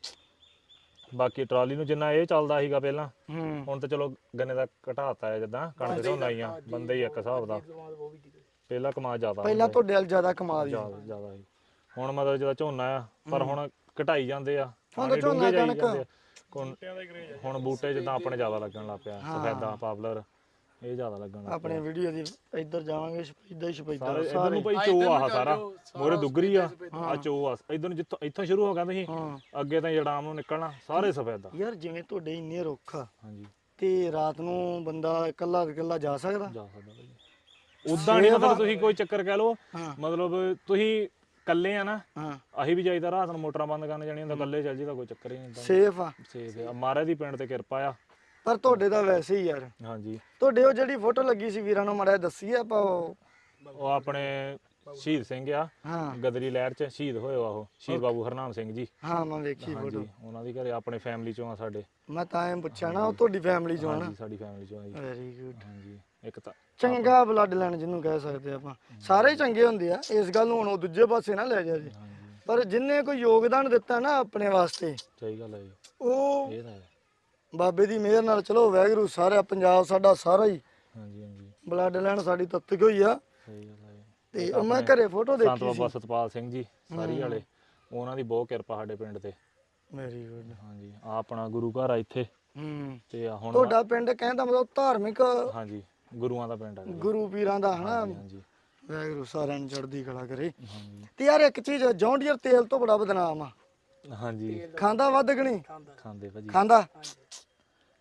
[SPEAKER 2] ਬਾਕੀ ਟਰਾਲੀ ਨੂੰ ਜਿੰਨਾ ਇਹ ਚੱਲਦਾ ਸੀਗਾ ਪਹਿਲਾਂ
[SPEAKER 1] ਹੂੰ
[SPEAKER 2] ਹੁਣ ਤਾਂ ਚਲੋ ਗੰਨੇ ਦਾ ਘਟਾਤਾ ਹੈ ਜਿੱਦਾਂ ਕਣਕ ਝੋਨਾ ਹੀ ਆ ਬੰਦੇ ਹੀ ਇੱਕ ਹਿਸਾਬ ਦਾ
[SPEAKER 3] ਦਿਮਾਗ ਉਹ ਵੀ ਦੀ
[SPEAKER 2] ਪਹਿਲਾਂ ਕਮਾ ਜ਼ਿਆਦਾ
[SPEAKER 1] ਪਹਿਲਾਂ ਤੁਹਾਡੇ ਨਾਲ ਜ਼ਿਆਦਾ ਕਮਾਲ ਸੀ
[SPEAKER 2] ਜ਼ਿਆਦਾ ਜ਼ਿਆਦਾ ਸੀ ਹੁਣ ਮਤਲਬ ਜਿਹੜਾ ਝੋਨਾ ਆ ਪਰ ਹੁਣ ਘਟਾਈ ਜਾਂਦੇ ਆ
[SPEAKER 1] ਹੁਣ ਤਾਂ
[SPEAKER 2] ਪਾਣੀ
[SPEAKER 1] ਝੋਨਾ
[SPEAKER 2] ਡੂੰਘੇ ਜਾਈ
[SPEAKER 1] ਕਣਕ।
[SPEAKER 2] ਜਾਂਦੇ ਆ। ਹੁਣ ਹੁਣ ਬੂਟੇ ਜਿੱਦਾਂ ਆਪਣੇ ਜ਼ਿਆਦਾ ਲੱਗਣ ਲੱਗ ਪਿਆ ਸਫੈਦਾ ਪਾਪਲਰ ਇਹ ਜ਼ਿਆਦਾ ਲੱਗਣ ਲੱਗ
[SPEAKER 1] ਆਪਣੇ ਵੀਡੀਓ ਦੀ ਇੱਧਰ ਜਾਵਾਂਗੇ ਸ਼ਪੈਦਾ ਹੀ ਸ਼ਪੈਦਾ
[SPEAKER 2] ਸਾਰੇ ਇਧਰ ਨੂੰ ਭਾਈ ਚੋ ਆ ਸਾਰਾ ਮੋਰੇ ਦੁੱਗਰੀ ਆ ਆ ਚੋ ਆ ਇਧਰ ਨੂੰ ਜਿੱਥੋਂ ਇੱਥੋਂ ਸ਼ੁਰੂ ਹੋ ਗਿਆ ਤੁਸੀਂ
[SPEAKER 1] ਹਾਂ
[SPEAKER 2] ਅੱਗੇ ਤਾਂ ਜੜਾਮ ਨੂੰ ਨਿਕਲਣਾ ਸਾਰੇ ਸਫੈਦਾ
[SPEAKER 1] ਯਾਰ ਜਿਵੇਂ ਤੁਹਾਡੇ ਇੰਨੇ ਰੁੱਖ ਆ
[SPEAKER 2] ਹਾਂਜੀ
[SPEAKER 1] ਤੇ ਰਾਤ ਨੂੰ ਬੰਦਾ ਇਕੱਲਾ ਇਕੱਲਾ ਜਾ ਸਕਦਾ
[SPEAKER 2] ਜਾ ਸਕਦਾ ਭਾਈ ਉਦਾਂ ਨਹੀਂ ਮਤਲਬ ਤੁਸੀਂ ਕੋਈ ਚੱਕਰ ਕਹਿ ਲਓ
[SPEAKER 1] ਹਾਂ
[SPEAKER 2] ਮਤਲਬ ਤੁਸੀਂ ਕੱਲੇ ਆ ਨਾ
[SPEAKER 1] ਹਾਂ
[SPEAKER 2] ਅਸੀਂ ਵੀ ਜਾਈਦਾ ਰਾਤ ਨੂੰ ਮੋਟਰਾਂ ਬੰਦ ਕਰਨ ਜਾਣੀ ਹੁੰਦਾ ਕੱਲੇ ਚੱਲ ਜੀਦਾ ਕੋਈ ਚੱਕਰ ਹੀ ਨਹੀਂ ਹੁੰਦਾ
[SPEAKER 1] ਸੇਫ ਆ
[SPEAKER 2] ਸੇਫ ਆ ਮਹਾਰਾਜ ਦੀ ਪਿੰਡ ਤੇ ਕਿਰਪਾ ਆ
[SPEAKER 1] ਪਰ ਤੁਹਾਡੇ ਤਾਂ ਵੈਸੇ ਹੀ ਯਾਰ
[SPEAKER 2] ਹਾਂਜੀ
[SPEAKER 1] ਤੁਹਾਡੇ ਉਹ ਜਿਹੜੀ ਫੋਟੋ ਲੱਗੀ ਸੀ ਵੀਰਾਂ ਨੂੰ ਮੜਿਆ ਦੱਸੀ ਆਪਾਂ ਉਹ
[SPEAKER 2] ਉਹ ਆਪਣੇ ਸ਼ਹੀਦ ਸਿੰਘ ਆ
[SPEAKER 1] ਹਾਂ
[SPEAKER 2] ਗਦਰੀ ਲਹਿਰ ਚ ਸ਼ਹੀਦ ਹੋਏ ਆ ਉਹ ਸ਼ਹੀਦ ਬਾਬੂ ਹਰਨਾਮ ਸਿੰਘ ਜੀ
[SPEAKER 1] ਹਾਂ ਮੈਂ ਵੇਖੀ ਫੋਟੋ
[SPEAKER 2] ਹਾਂਜੀ ਉਹਨਾਂ ਦੀ ਘਰੇ ਆਪਣੇ ਫੈਮਿਲੀ ਚੋਂ ਆ ਸਾਡੇ
[SPEAKER 1] ਮੈਂ ਤਾਂ ਐਂ ਪੁੱਛਿਆ ਨਾ ਉਹ ਤੁਹਾਡੀ ਫੈਮਿਲੀ ਚੋਂ ਆ ਨਾ
[SPEAKER 2] ਹਾਂਜੀ ਸਾਡੀ ਫੈਮਿਲੀ ਚੋਂ ਆ ਜੀ
[SPEAKER 1] ਵੈਰੀ ਗੁੱਡ
[SPEAKER 2] ਹਾਂਜੀ ਇੱਕ ਤਾਂ
[SPEAKER 1] ਚੰਗਾ ਬਲੱਡ ਲਾਈਨ ਜਿਹਨੂੰ ਕਹਿ ਸਕਦੇ ਆਪਾਂ ਸਾਰੇ ਚੰਗੇ ਹੁੰਦੇ ਆ ਇਸ ਗੱਲ ਨੂੰ ਹੁਣ ਉਹ ਦੂਜੇ ਪਾਸੇ ਨਾ ਲੈ ਜਾ ਜੀ
[SPEAKER 2] ਹਾਂਜੀ
[SPEAKER 1] ਪਰ ਜਿੰਨੇ ਕੋਈ ਯੋਗਦਾਨ ਦਿੱਤਾ ਨਾ ਆਪਣੇ ਵਾਸਤੇ
[SPEAKER 2] ਸਹੀ ਗੱਲ ਹੈ ਜੀ
[SPEAKER 1] ਉਹ
[SPEAKER 2] ਇਹ ਤਾਂ ਹੈ
[SPEAKER 1] ਬਾਬੇ ਦੀ ਮਿਹਰ ਨਾਲ ਚਲੋ ਵਾਹਿਗੁਰੂ ਸਾਰਾ ਪੰਜਾਬ ਸਾਡਾ ਸਾਰਾ ਹੀ
[SPEAKER 2] ਹਾਂਜੀ ਹਾਂਜੀ
[SPEAKER 1] ਬਲੱਡ ਲਾਈਨ ਸਾਡੀ ਤੱਤਕ ਹੋਈ ਆ
[SPEAKER 2] ਸਹੀ ਗੱਲ ਹੈ
[SPEAKER 1] ਤੇ ਉਹ ਮੈਂ ਘਰੇ ਫੋਟੋ
[SPEAKER 2] ਸੰਤ
[SPEAKER 1] ਦੇਖੀ
[SPEAKER 2] ਬਾਬਾ ਸਤਪਾਲ ਸਿੰਘ ਜੀ ਸਾਰੀ ਵਾਲੇ ਉਹਨਾਂ ਦੀ ਬਹੁਤ ਕਿਰਪਾ ਸਾਡੇ ਪਿੰਡ ਤੇ
[SPEAKER 1] ਵੈਰੀ ਗੁੱਡ
[SPEAKER 2] ਹਾਂਜੀ ਆ ਆਪਣਾ ਗੁਰੂ ਘਰ ਆ ਇੱਥੇ
[SPEAKER 1] ਹੂੰ
[SPEAKER 2] ਤੇ ਆ ਹੁਣ
[SPEAKER 1] ਤੁਹਾਡਾ ਪਿੰਡ ਕਹਿੰਦਾ ਮਤਲਬ ਧਾਰਮਿਕ
[SPEAKER 2] ਹਾਂਜੀ ਗੁਰੂਆਂ ਦਾ ਪਿੰਡ ਹੈ
[SPEAKER 1] ਗੁਰੂ ਪੀਰਾਂ ਦਾ ਹਨਾ
[SPEAKER 2] ਹਾਂਜੀ
[SPEAKER 1] ਵਾਹਿਗੁਰੂ ਸਾਰਿਆਂ ਨੂੰ ਚੜ੍ਹਦੀ ਕਲਾ ਕਰੇ
[SPEAKER 2] ਹਾਂਜੀ
[SPEAKER 1] ਤੇ ਯਾਰ ਇੱਕ ਚੀਜ਼ ਜੌਂਡੀਅਰ ਤੇਲ ਤੋਂ ਬੜਾ ਬਦਨਾਮ ਆ
[SPEAKER 2] ਹਾਂਜੀ
[SPEAKER 1] ਖਾਂਦਾ ਵੱਧ ਕਿ ਨਹੀਂ
[SPEAKER 3] ਖਾਂਦਾ
[SPEAKER 2] ਖਾਂਦੇ ਭਾਜੀ
[SPEAKER 1] ਖਾਂਦਾ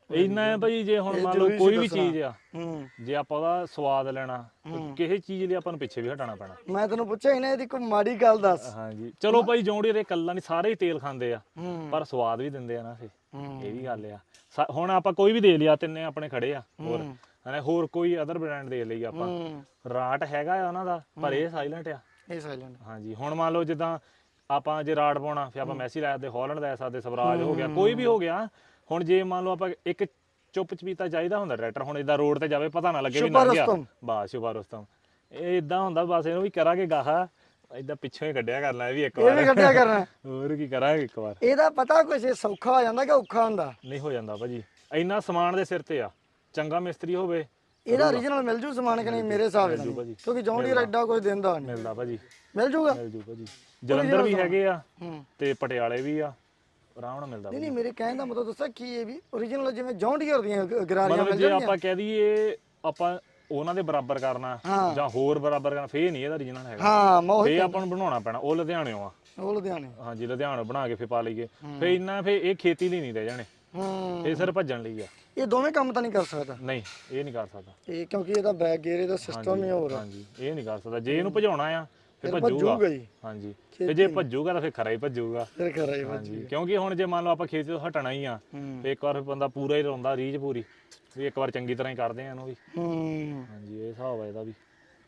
[SPEAKER 2] ਇੰਨਾ ਹੈ ਭਾਈ ਜੇ ਹੁਣ ਮੰਨ ਲਓ ਕੋਈ ਵੀ ਚੀਜ਼ ਆ
[SPEAKER 1] ਹੂੰ
[SPEAKER 2] ਜੇ ਆਪਾਂ ਉਹਦਾ ਸਵਾਦ ਲੈਣਾ ਕਿਸੇ ਚੀਜ਼ ਲਈ ਆਪਾਂ ਨੂੰ ਪਿੱਛੇ ਵੀ ਹਟਾਉਣਾ ਪੈਣਾ।
[SPEAKER 1] ਮੈਂ ਤੈਨੂੰ ਪੁੱਛਿਆ ਇਹਨਾਂ ਇਹਦੀ ਕੋਈ ਮਾੜੀ ਗੱਲ ਦੱਸ।
[SPEAKER 2] ਹਾਂਜੀ ਚਲੋ ਭਾਈ ਜੌਂਡੀਅਰ ਇਹ ਕੱਲਾ ਨਹੀਂ ਸਾਰੇ ਹੀ ਤੇਲ ਖਾਂਦੇ ਆ
[SPEAKER 1] ਹੂੰ
[SPEAKER 2] ਪਰ ਸਵਾਦ ਵੀ ਦਿੰਦੇ ਆ ਨਾ ਫੇ
[SPEAKER 1] ਹੂੰ।
[SPEAKER 2] ਇਹ ਵੀ ਗੱਲ ਆ ਸਾ- ਹੁਣ ਆਪਾਂ ਕੋਈ ਵੀ ਦੇ ਲਿਆ ਤਿੰਨੇ ਆਪਣੇ ਖੜੇ ਆ ਹੋਰ ਹਨਾ ਹੋਰ ਕੋਈ ਅਦਰ ਬ੍ਰਾਂਡ ਦੇ ਲਈ ਆਪਾਂ
[SPEAKER 1] ਹੂੰ
[SPEAKER 2] ਰਾਟ ਹੈਗਾ ਆ ਉਹਨਾਂ ਦਾ ਪਰ ਇਹ ਸਾਇਲੈਂਟ ਆ।
[SPEAKER 1] ਇਹ ਸਾਇਲੈਂਟ
[SPEAKER 2] ਹਾਂਜੀ ਹੁਣ ਮੰਨ ਲਓ ਜਿੱਦਾਂ ਆਪਾਂ ਜੇ ਰਾਟ ਪਾਉਣਾ ਫਿਰ ਆਪਾਂ ਮੈਸੀ ਲੈ ਸਕਦੇ ਹਾਲੈਂਡ ਲੈ ਸਕਦੇ ਸਵਰਾਜ ਹੋ ਗਿਆ ਕੋਈ ਵੀ ਹੋ ਗਿਆ। ਹੁਣ ਜੇ ਮੰਨ ਲਓ ਆਪਾਂ ਇੱਕ ਚੁੱਪ ਚਪੀਤਾ ਚਾਹੀਦਾ ਹੁੰਦਾ ਟਰੈਕਟਰ ਹੁਣ ਇਦਾਂ ਰੋਡ ਤੇ ਜਾਵੇ ਪਤਾ ਨਾ ਲੱਗੇ ਵੀ ਨਾ ਗਿਆ ਬਸ ਸ਼ੁਭਾ ਰੁਸਤਮ ਇਹ ਇਦਾਂ ਹੁੰਦਾ ਬਸ ਇਹਨੂੰ ਵੀ ਕਰਾਂਗੇ ਗਾਹਾ ਇਦਾਂ ਪਿੱਛੋਂ ਹੀ ਕੱਢਿਆ ਕਰਨਾ ਇਹ ਵੀ ਇੱਕ
[SPEAKER 1] ਇਹ
[SPEAKER 2] ਵਾਰ
[SPEAKER 1] ਵੀ ਕੱਢਿਆ ਕਰਨਾ।
[SPEAKER 2] ਹੋਰ ਕੀ ਕਰਾਂਗੇ ਇੱਕ ਵਾਰ
[SPEAKER 1] ਇਹਦਾ ਪਤਾ ਕੁਛ ਇਹ ਸੌਖਾ ਹੋ ਜਾਂਦਾ ਕਿ ਔਖਾ ਹੁੰਦਾ?
[SPEAKER 2] ਨਹੀਂ ਹੋ ਜਾਂਦਾ ਭਾਜੀ ਇੰਨਾ ਸਮਾਨ ਦੇ ਸਿਰ ਤੇ ਆ ਚੰਗਾ ਮਿਸਤਰੀ ਹੋਵੇ
[SPEAKER 1] ਇਹਦਾ origignal ਮਿਲ ਜੂ ਸਮਾਨ ਕਿ ਨਹੀਂ ਮੇਰੇ ਹਿਸਾਬ ਨਾਲ ਕਿਉਂਕਿ ਜੌਂਡੀਅਰ ਐਡਾ ਕੁਝ ਦਿੰਦਾ ਨਹੀਂ।
[SPEAKER 2] ਮਿਲਦਾ ਭਾਜੀ
[SPEAKER 1] ਮਿਲ ਜੂਗਾ
[SPEAKER 2] ਮਿਲ ਜੂ ਭਾਜੀ ਜਲੰਧਰ ਵੀ ਹੈਗੇ ਆ
[SPEAKER 1] ਹੂੰ
[SPEAKER 2] ਤੇ ਪਟਿਆਲੇ ਵੀ ਆ ਆਰਾਮ ਨਾਲ ਮਿਲਦਾ
[SPEAKER 1] ਨਹੀਂ ਨਹੀਂ ਮੇਰੇ ਕਹਿਣ ਦਾ ਮਤਲਬ ਦੱਸਿਆ ਕੀ ਇਹ ਵੀ origignal ਜਿਵੇਂ ਜੌਂਡੀਅਰ ਦੀਆਂ ਗ- ਗਰਾਰੀਆਂ
[SPEAKER 2] ਮਤਲਬ
[SPEAKER 1] ਮਿਲ
[SPEAKER 2] ਜੇ
[SPEAKER 1] ਜਾਂਦੀਆਂ।
[SPEAKER 2] ਆਪਾਂ ਕਹਿ ਦਈਏ ਆਪਾਂ ਉਹਨਾਂ ਦੇ ਬਰਾਬਰ ਕਰਨਾ
[SPEAKER 1] ਹਾਂ।
[SPEAKER 2] ਜਾਂ ਹੋਰ ਬਰਾਬਰ ਕਰਨਾ ਫੇਰ ਨਹੀਂ ਇਹਦਾ origignal ਹੈਗਾ
[SPEAKER 1] ਹਾਂ ਮੈਂ ਉਹੀ
[SPEAKER 2] ਫੇਰ ਆਪਾਂ ਨੂੰ ਬਣਾਉਣਾ ਪੈਣਾ ਉਹ ਲੁਧਿਆਣਿਓਂ ਆ
[SPEAKER 1] ਉਹ ਲੁਧਿਆਣੇ।
[SPEAKER 2] ਹਾਂਜੀ ਲੁਧਿਆਣੋਂ ਬਣਾ ਕੇ ਫੇਰ ਪਾ ਲਈਏ ਫੇਰ ਇੰਨਾ ਫੇਰ ਇਹ ਖੇਤੀ ਲਈ ਨਹੀਂ ਰਹਿ ਜਾਣੇ
[SPEAKER 1] ਹੂੰ
[SPEAKER 2] ਇਹ ਸਿਰ ਭੱਜਣ ਲਈ ਆ
[SPEAKER 1] ਇਹ ਦੋਵੇਂ ਕੰਮ ਤਾਂ ਨਹੀਂ ਕਰ ਸਕਦਾ
[SPEAKER 2] ਨਹੀਂ ਇਹ ਨਹੀਂ ਕਰ ਸਕਦਾ
[SPEAKER 1] ਇਹ ਕਿਉਂਕਿ ਇਹਦਾ ਬੈਕ ਗੇਅਰ ਇਹਦਾ ਸਿਸਟਮ ਹੀ ਹੋਰ ਆ।
[SPEAKER 2] ਹਾਂਜੀ ਇਹ ਨਹੀਂ ਕਰ ਸਕਦਾ ਜੇ ਇਹਨੂੰ ਭਜਾਉਣਾ ਆ ਫੇਰ
[SPEAKER 1] ਫਿਰ
[SPEAKER 2] ਭੱਜੂਗਾ
[SPEAKER 1] ਭੱਜੂਗਾ ਹੀ
[SPEAKER 2] ਹਾਂਜੀ ਤੇ ਜੇ ਭੱਜੂਗਾ ਤਾਂ ਫੇਰ ਖਰਾ ਹੀ ਭੱਜੂਗਾ
[SPEAKER 1] ਫਿਰ ਖਰਾ ਹੀ
[SPEAKER 2] ਹਾਂਜੀ ਕਿਉਂਕਿ ਹੁਣ ਜੇ ਮੰਨ ਲਓ ਆਪਾਂ ਖੇਤੀ ਤੋਂ ਹਟਣਾ ਹੀ ਆ
[SPEAKER 1] ਹੂੰ
[SPEAKER 2] ਫੇਰ ਇੱਕ ਵਾਰ ਬੰਦਾ ਪੂਰਾ ਹੀ ਲਾਉਂਦਾ ਰੀਝ ਪੂਰੀ ਵੀ ਇੱਕ ਵਾਰ ਚੰਗੀ ਤਰ੍ਹਾਂ ਹੀ ਕਰਦੇ ਆ ਇਹਨੂੰ ਵੀ
[SPEAKER 1] ਹੂੰ
[SPEAKER 2] ਹਾਂਜੀ ਇਹ ਹਿਸਾਬ ਆ ਇਹਦਾ ਵੀ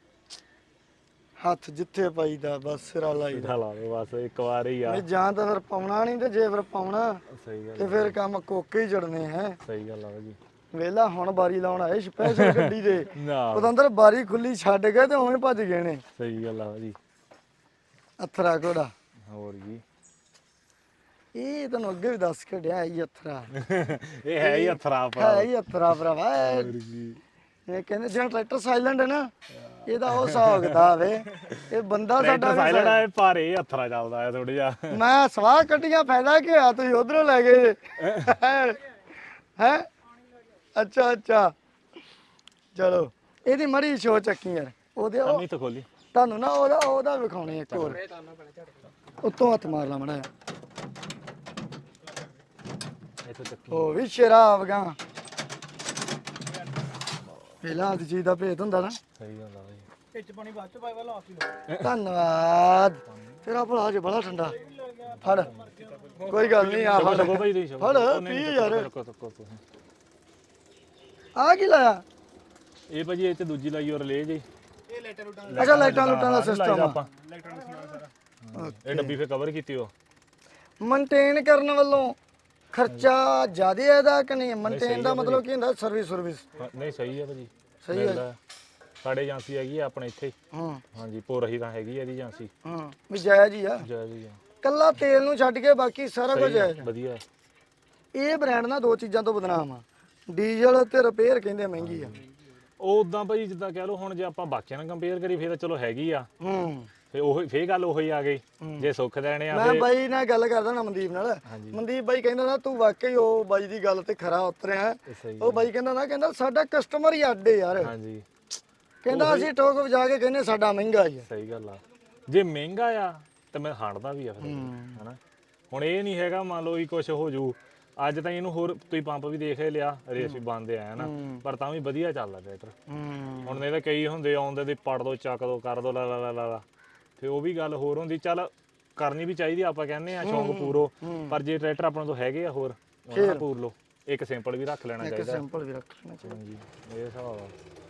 [SPEAKER 1] ਹੱਥ ਜਿੱਥੇ ਪਾਈਦਾ ਬਸ ਸਿਰਾ ਲਾਈਦਾ।
[SPEAKER 2] ਇਹਦਾ ਲਾ ਲਓ ਬਸ ਇੱਕ ਵਾਰ ਹੀ ਆ
[SPEAKER 1] ਨਹੀਂ ਜਾਂ ਤਾਂ ਫਿਰ ਪਾਉਣਾ ਨਹੀਂ ਤੇ ਜੇ ਫਿਰ ਪਾਉਣਾ
[SPEAKER 2] ਸਹੀ ਗੱਲ
[SPEAKER 1] ਤੇ ਫਿਰ ਕੰਮ ਕੋਕੇ ਹੀ ਜੜਨੇ ਹੈ।
[SPEAKER 2] ਸਹੀ ਗੱਲ ਆ ਭਾਜੀ
[SPEAKER 1] ਵੇਲਾ ਹੁਣ ਬਾਰੀ ਲਾਉਣ ਆਏ ਸਪੈਸ਼ਲ ਗੱਡੀ ਦੇ
[SPEAKER 2] ਨਾ
[SPEAKER 1] ਪਤੰਦਰ ਬਾਰੀ ਖੁੱਲੀ ਛੱਡ ਗਏ ਤੇ ਉਵੇਂ ਭੱਜ ਗਏ ਨੇ।
[SPEAKER 2] ਸਹੀ ਗੱਲ ਆ ਭਾਜੀ
[SPEAKER 1] ਅਥਰਾ ਘੋੜਾ
[SPEAKER 2] ਹੋਰ ਜੀ
[SPEAKER 1] ਇਹ ਤੁਹਾਨੂੰ ਅੱਗੇ ਵੀ ਦੱਸ ਕੇ ਡਿਆ ਇਹ ਅਥਰਾ
[SPEAKER 2] ਇਹ ਹੈ ਹੀ ਅਥਰਾ ਭਰਾ
[SPEAKER 1] ਹੈ ਹੀ ਅਥਰਾ ਭਰਾਵਾ ਇਹ
[SPEAKER 2] ਹੋਰ ਜੀ
[SPEAKER 1] ਇਹ ਕਹਿੰਦੇ ਜਿਹੜਾ ਟਰੈਕਟਰ ਸਾਇਲੈਂਟ ਹੈ ਨਾ ਇਹਦਾ ਉਹ ਹਿਸਾਬ ਕਿਤਾਬ ਹੈ ਇਹ ਬੰਦਾ ਸਾਡਾ
[SPEAKER 2] ਟਰੈਕਟਰ ਸਾਇਲੈਂਟ ਆ ਪਰ ਇਹ ਅਥਰਾ ਚੱਲਦਾ ਆ ਥੋੜਾ ਜਿਹਾ
[SPEAKER 1] ਮੈਂ ਸਵਾਹ ਕੱਢੀਆਂ ਫਾਇਦਾ ਕੀ ਹੋਇਆ ਤੁਸੀਂ ਉਧਰੋਂ ਲੈ ਗਏ ਹੈ ਅੱਛਾ ਅੱਛਾ ਚਲੋ ਇਹਦੀ ਮੜੀ ਸ਼ੋ ਚੱਕੀ ਯਾਰ ਉਹਦੇ ਉਹ
[SPEAKER 2] ਅੰਮੀ ਤਾਂ ਖੋਲੀ
[SPEAKER 1] ਤੁਹਾਨੂੰ ਨਾ ਉਹਦਾ ਉਹਦਾ ਵਿਖਾਉਣੇ ਇੱਕ ਹੋਰ
[SPEAKER 3] ਇਹ ਤਾਨਾ ਪੈਣਾ ਝੜ
[SPEAKER 1] ਉੱਤੋਂ ਹੱਥ ਮਾਰ ਲਾ ਮੜਾ
[SPEAKER 2] ਇੱਥੇ ਚੱਕੀ
[SPEAKER 1] ਉਹ ਵੀ ਸ਼ਰਾਬ ਗਾ ਪਹਿਲਾਂ ਦੀ ਚੀਜ਼ ਦਾ ਭੇਤ ਹੁੰਦਾ ਨਾ।
[SPEAKER 2] ਸਹੀ ਗੱਲ ਆ ਭਾਜੀ
[SPEAKER 3] ਵਿੱਚ ਪਾਣੀ ਬਾਅਦ ਚ ਪਾਏ ਵਾਲਾ ਆਫੀ ਲੋ
[SPEAKER 1] ਧੰਨਵਾਦ ਤੇਰਾ ਭਲਾ ਜੇ ਬੜਾ ਠੰਡਾ ਫੜ ਕੋਈ ਗੱਲ ਨਹੀਂ ਆ ਫੜ
[SPEAKER 2] ਲੱਗੋ ਭਾਈ ਤੁਸੀਂ
[SPEAKER 1] ਫੜ ਪੀ ਯਾਰ
[SPEAKER 2] ਰੁਕੋ ਰੁਕੋ ਤੁਸੀਂ
[SPEAKER 1] ਆ ਕੀ ਲਾਇਆ
[SPEAKER 2] ਇਹ ਭਾਜੀ ਇਹ ਤੇ ਦੂਜੀ ਲਾਈ ਔਰ ਲੈ ਜੀ
[SPEAKER 3] ਇਹ ਲੈਟਰ ਉਡਾਂ
[SPEAKER 1] ਅੱਛਾ ਲਾਈਟਾਂ ਲੁੱਟਾਂ ਦਾ ਸਿਸਟਮ ਆ
[SPEAKER 2] ਆਪਾਂ
[SPEAKER 3] ਲੈਟਰ ਦਾ ਸਮਾਨ ਸਾਰਾ
[SPEAKER 2] ਇਹ ਡੱਬੀ ਫੇ ਕਵਰ ਕੀਤੀ ਉਹ
[SPEAKER 1] ਮੇਨਟੇਨ ਕਰਨ ਵੱਲੋਂ ਖਰਚਾ ਜ਼ਿਆਦਾ ਹੈ ਇਹਦਾ ਕਿ ਨਹੀਂ ਮੇਨਟੇਨ ਦਾ ਮਤਲਬ ਕੀ ਹੁੰਦਾ ਸਰਵਿਸ ਸਰਵਿਸ
[SPEAKER 2] ਹਾਂ, ਨਹੀਂ ਸਹੀ ਹੈ ਭਾਜੀ
[SPEAKER 1] ਸਹੀ ਹੈ
[SPEAKER 2] ਮਿਲਦਾ। ਸਾਡੇ ਏਜੰਸੀ ਹੈਗੀ ਆ ਆਪਣੇ ਇੱਥੇ ਹੀ।
[SPEAKER 1] ਹੂੰ
[SPEAKER 2] ਹਾਂਜੀ ਪੋਰਹੀ ਤਾਂ ਹੈਗੀ ਆ ਇਹਦੀ ਏਜੰਸੀ
[SPEAKER 1] ਹੂੰ ਵੀ ਜਾਇਜ਼ ਹੀ ਆ
[SPEAKER 2] ਜੈ ਜੀ
[SPEAKER 1] ਕੱਲਾ ਤੇਲ ਨੂੰ ਛੱਡ ਕੇ ਬਾਕੀ ਸਾਰਾ ਕੁਝ ਜਾਇਜ਼ ਆ।
[SPEAKER 2] ਵਧੀਆ
[SPEAKER 1] ਇਹ ਬ੍ਰਾਂਡ ਨਾ ਦੋ ਚੀਜ਼ਾਂ ਤੋਂ ਬਦਨਾਮ ਆ ਡੀਜ਼ਲ ਤੇ ਰਿਪੇਅਰ ਕਹਿੰਦੇ ਮਹਿੰਗੀ ਆ।
[SPEAKER 2] ਉਹ ਉਦਾਂ ਭਾਜੀ ਜਿੱਦਾਂ ਕਹਿ ਲਓ ਹੁਣ ਜੇ ਆਪਾਂ ਬਾਕੀਆਂ ਨਾਲ ਕੰਪੇਅਰ ਕਰੀ ਫੇਰ ਤਾਂ ਚਲੋ ਹੈਗੀ ਆ
[SPEAKER 1] ਹੂੰ
[SPEAKER 2] ਫੇ ਉਹ ਫੇਰ ਗੱਲ ਉਹੀ ਆ ਗਈ ਜੇ ਸੁੱਖ ਦੇਣੇ ਆ
[SPEAKER 1] ਮੈਂ ਬਾਈ ਨਾਲ ਗੱਲ ਕਰਦਾ ਨਾ ਮਨਦੀਪ ਨਾਲ ਮਨਦੀਪ ਬਾਈ ਕਹਿੰਦਾ ਨਾ ਤੂੰ ਵਾਕਈ ਉਹ ਬਾਈ ਦੀ ਗੱਲ ਤੇ ਖਰਾ ਉਤਰਿਆ
[SPEAKER 2] ਤੇ ਸਹੀ
[SPEAKER 1] ਉਹ ਬਾਈ ਕਹਿੰਦਾ ਨਾ ਕਹਿੰਦਾ ਸਾਡਾ ਕਸਟਮਰ ਹੀ ਅੱਡੇ ਯਾਰ
[SPEAKER 2] ਹਾਂਜੀ
[SPEAKER 1] ਕਹਿੰਦਾ ਅਸੀਂ ਟੋਕ ਵਜਾ ਕੇ ਕਹਿੰਦੇ ਸਾਡਾ ਮਹਿੰਗਾ ਹੀ ਆ।
[SPEAKER 2] ਸਹੀ ਗੱਲ ਆ ਜੇ ਮਹਿੰਗਾ ਆ ਤੇ ਮੈਂ ਹਾੜਦਾ ਵੀ ਆ ਫਿਰ ਹਨਾ ਹੁਣ ਇਹ ਨਹੀਂ ਹੈਗਾ ਮੰਨ ਲਓ ਵੀ ਕੁਝ ਹੋ ਜੂ ਅੱਜ ਤਾਂ ਇਹਨੂੰ ਹੋਰ ਤੁਸੀਂ ਪੰਪ ਵੀ ਦੇਖ ਲਿਆ ਰੇਸ ਵੀ ਬੰਦ ਆਇਆ ਨਾ ਪਰ ਤਾਂ ਵੀ ਵਧੀਆ ਚੱਲਦਾ ਟਰੈਕਟਰ
[SPEAKER 1] ਹੂੰ
[SPEAKER 2] ਹੁਣ ਇਹਦੇ ਕਈ ਹੁੰਦੇ ਆਉਂਦੇ ਦੀ ਪੜ ਦੋ ਚੱਕ ਦੋ ਕਰ ਦੋ ਲਾ ਲਾ ਲਾ ਲਾ ਲਾ ਤੇ ਉਹ ਵੀ ਗੱਲ ਹੋਰ ਹੁੰਦੀ ਚੱਲ ਕਰਨੀ ਵੀ ਚਾਹੀਦੀ ਆਪਾਂ ਕਹਿੰਦੇ ਆ ਸ਼ੌਂਕ ਪੂਰੋ ਪਰ ਜੇ ਟਰੈਕਟਰ ਆਪਣੇ ਤੋਂ ਹੈਗੇ ਆ ਹੋਰ ਉਹਨਾਂ ਪੂਰ ਲੋ ਇੱਕ ਸਿੰਪਲ ਵੀ ਰੱਖ ਲੈਣਾ
[SPEAKER 1] ਇੱਕ
[SPEAKER 2] ਚਾਹੀਦਾ
[SPEAKER 1] ਸਿੰਪਲ ਵੀ ਰੱਖ ਲੈਣਾ ਚਾਹੀਦਾ।
[SPEAKER 2] ਹਾਂਜੀ ਇਹ ਹਿਸਾਬ ਆ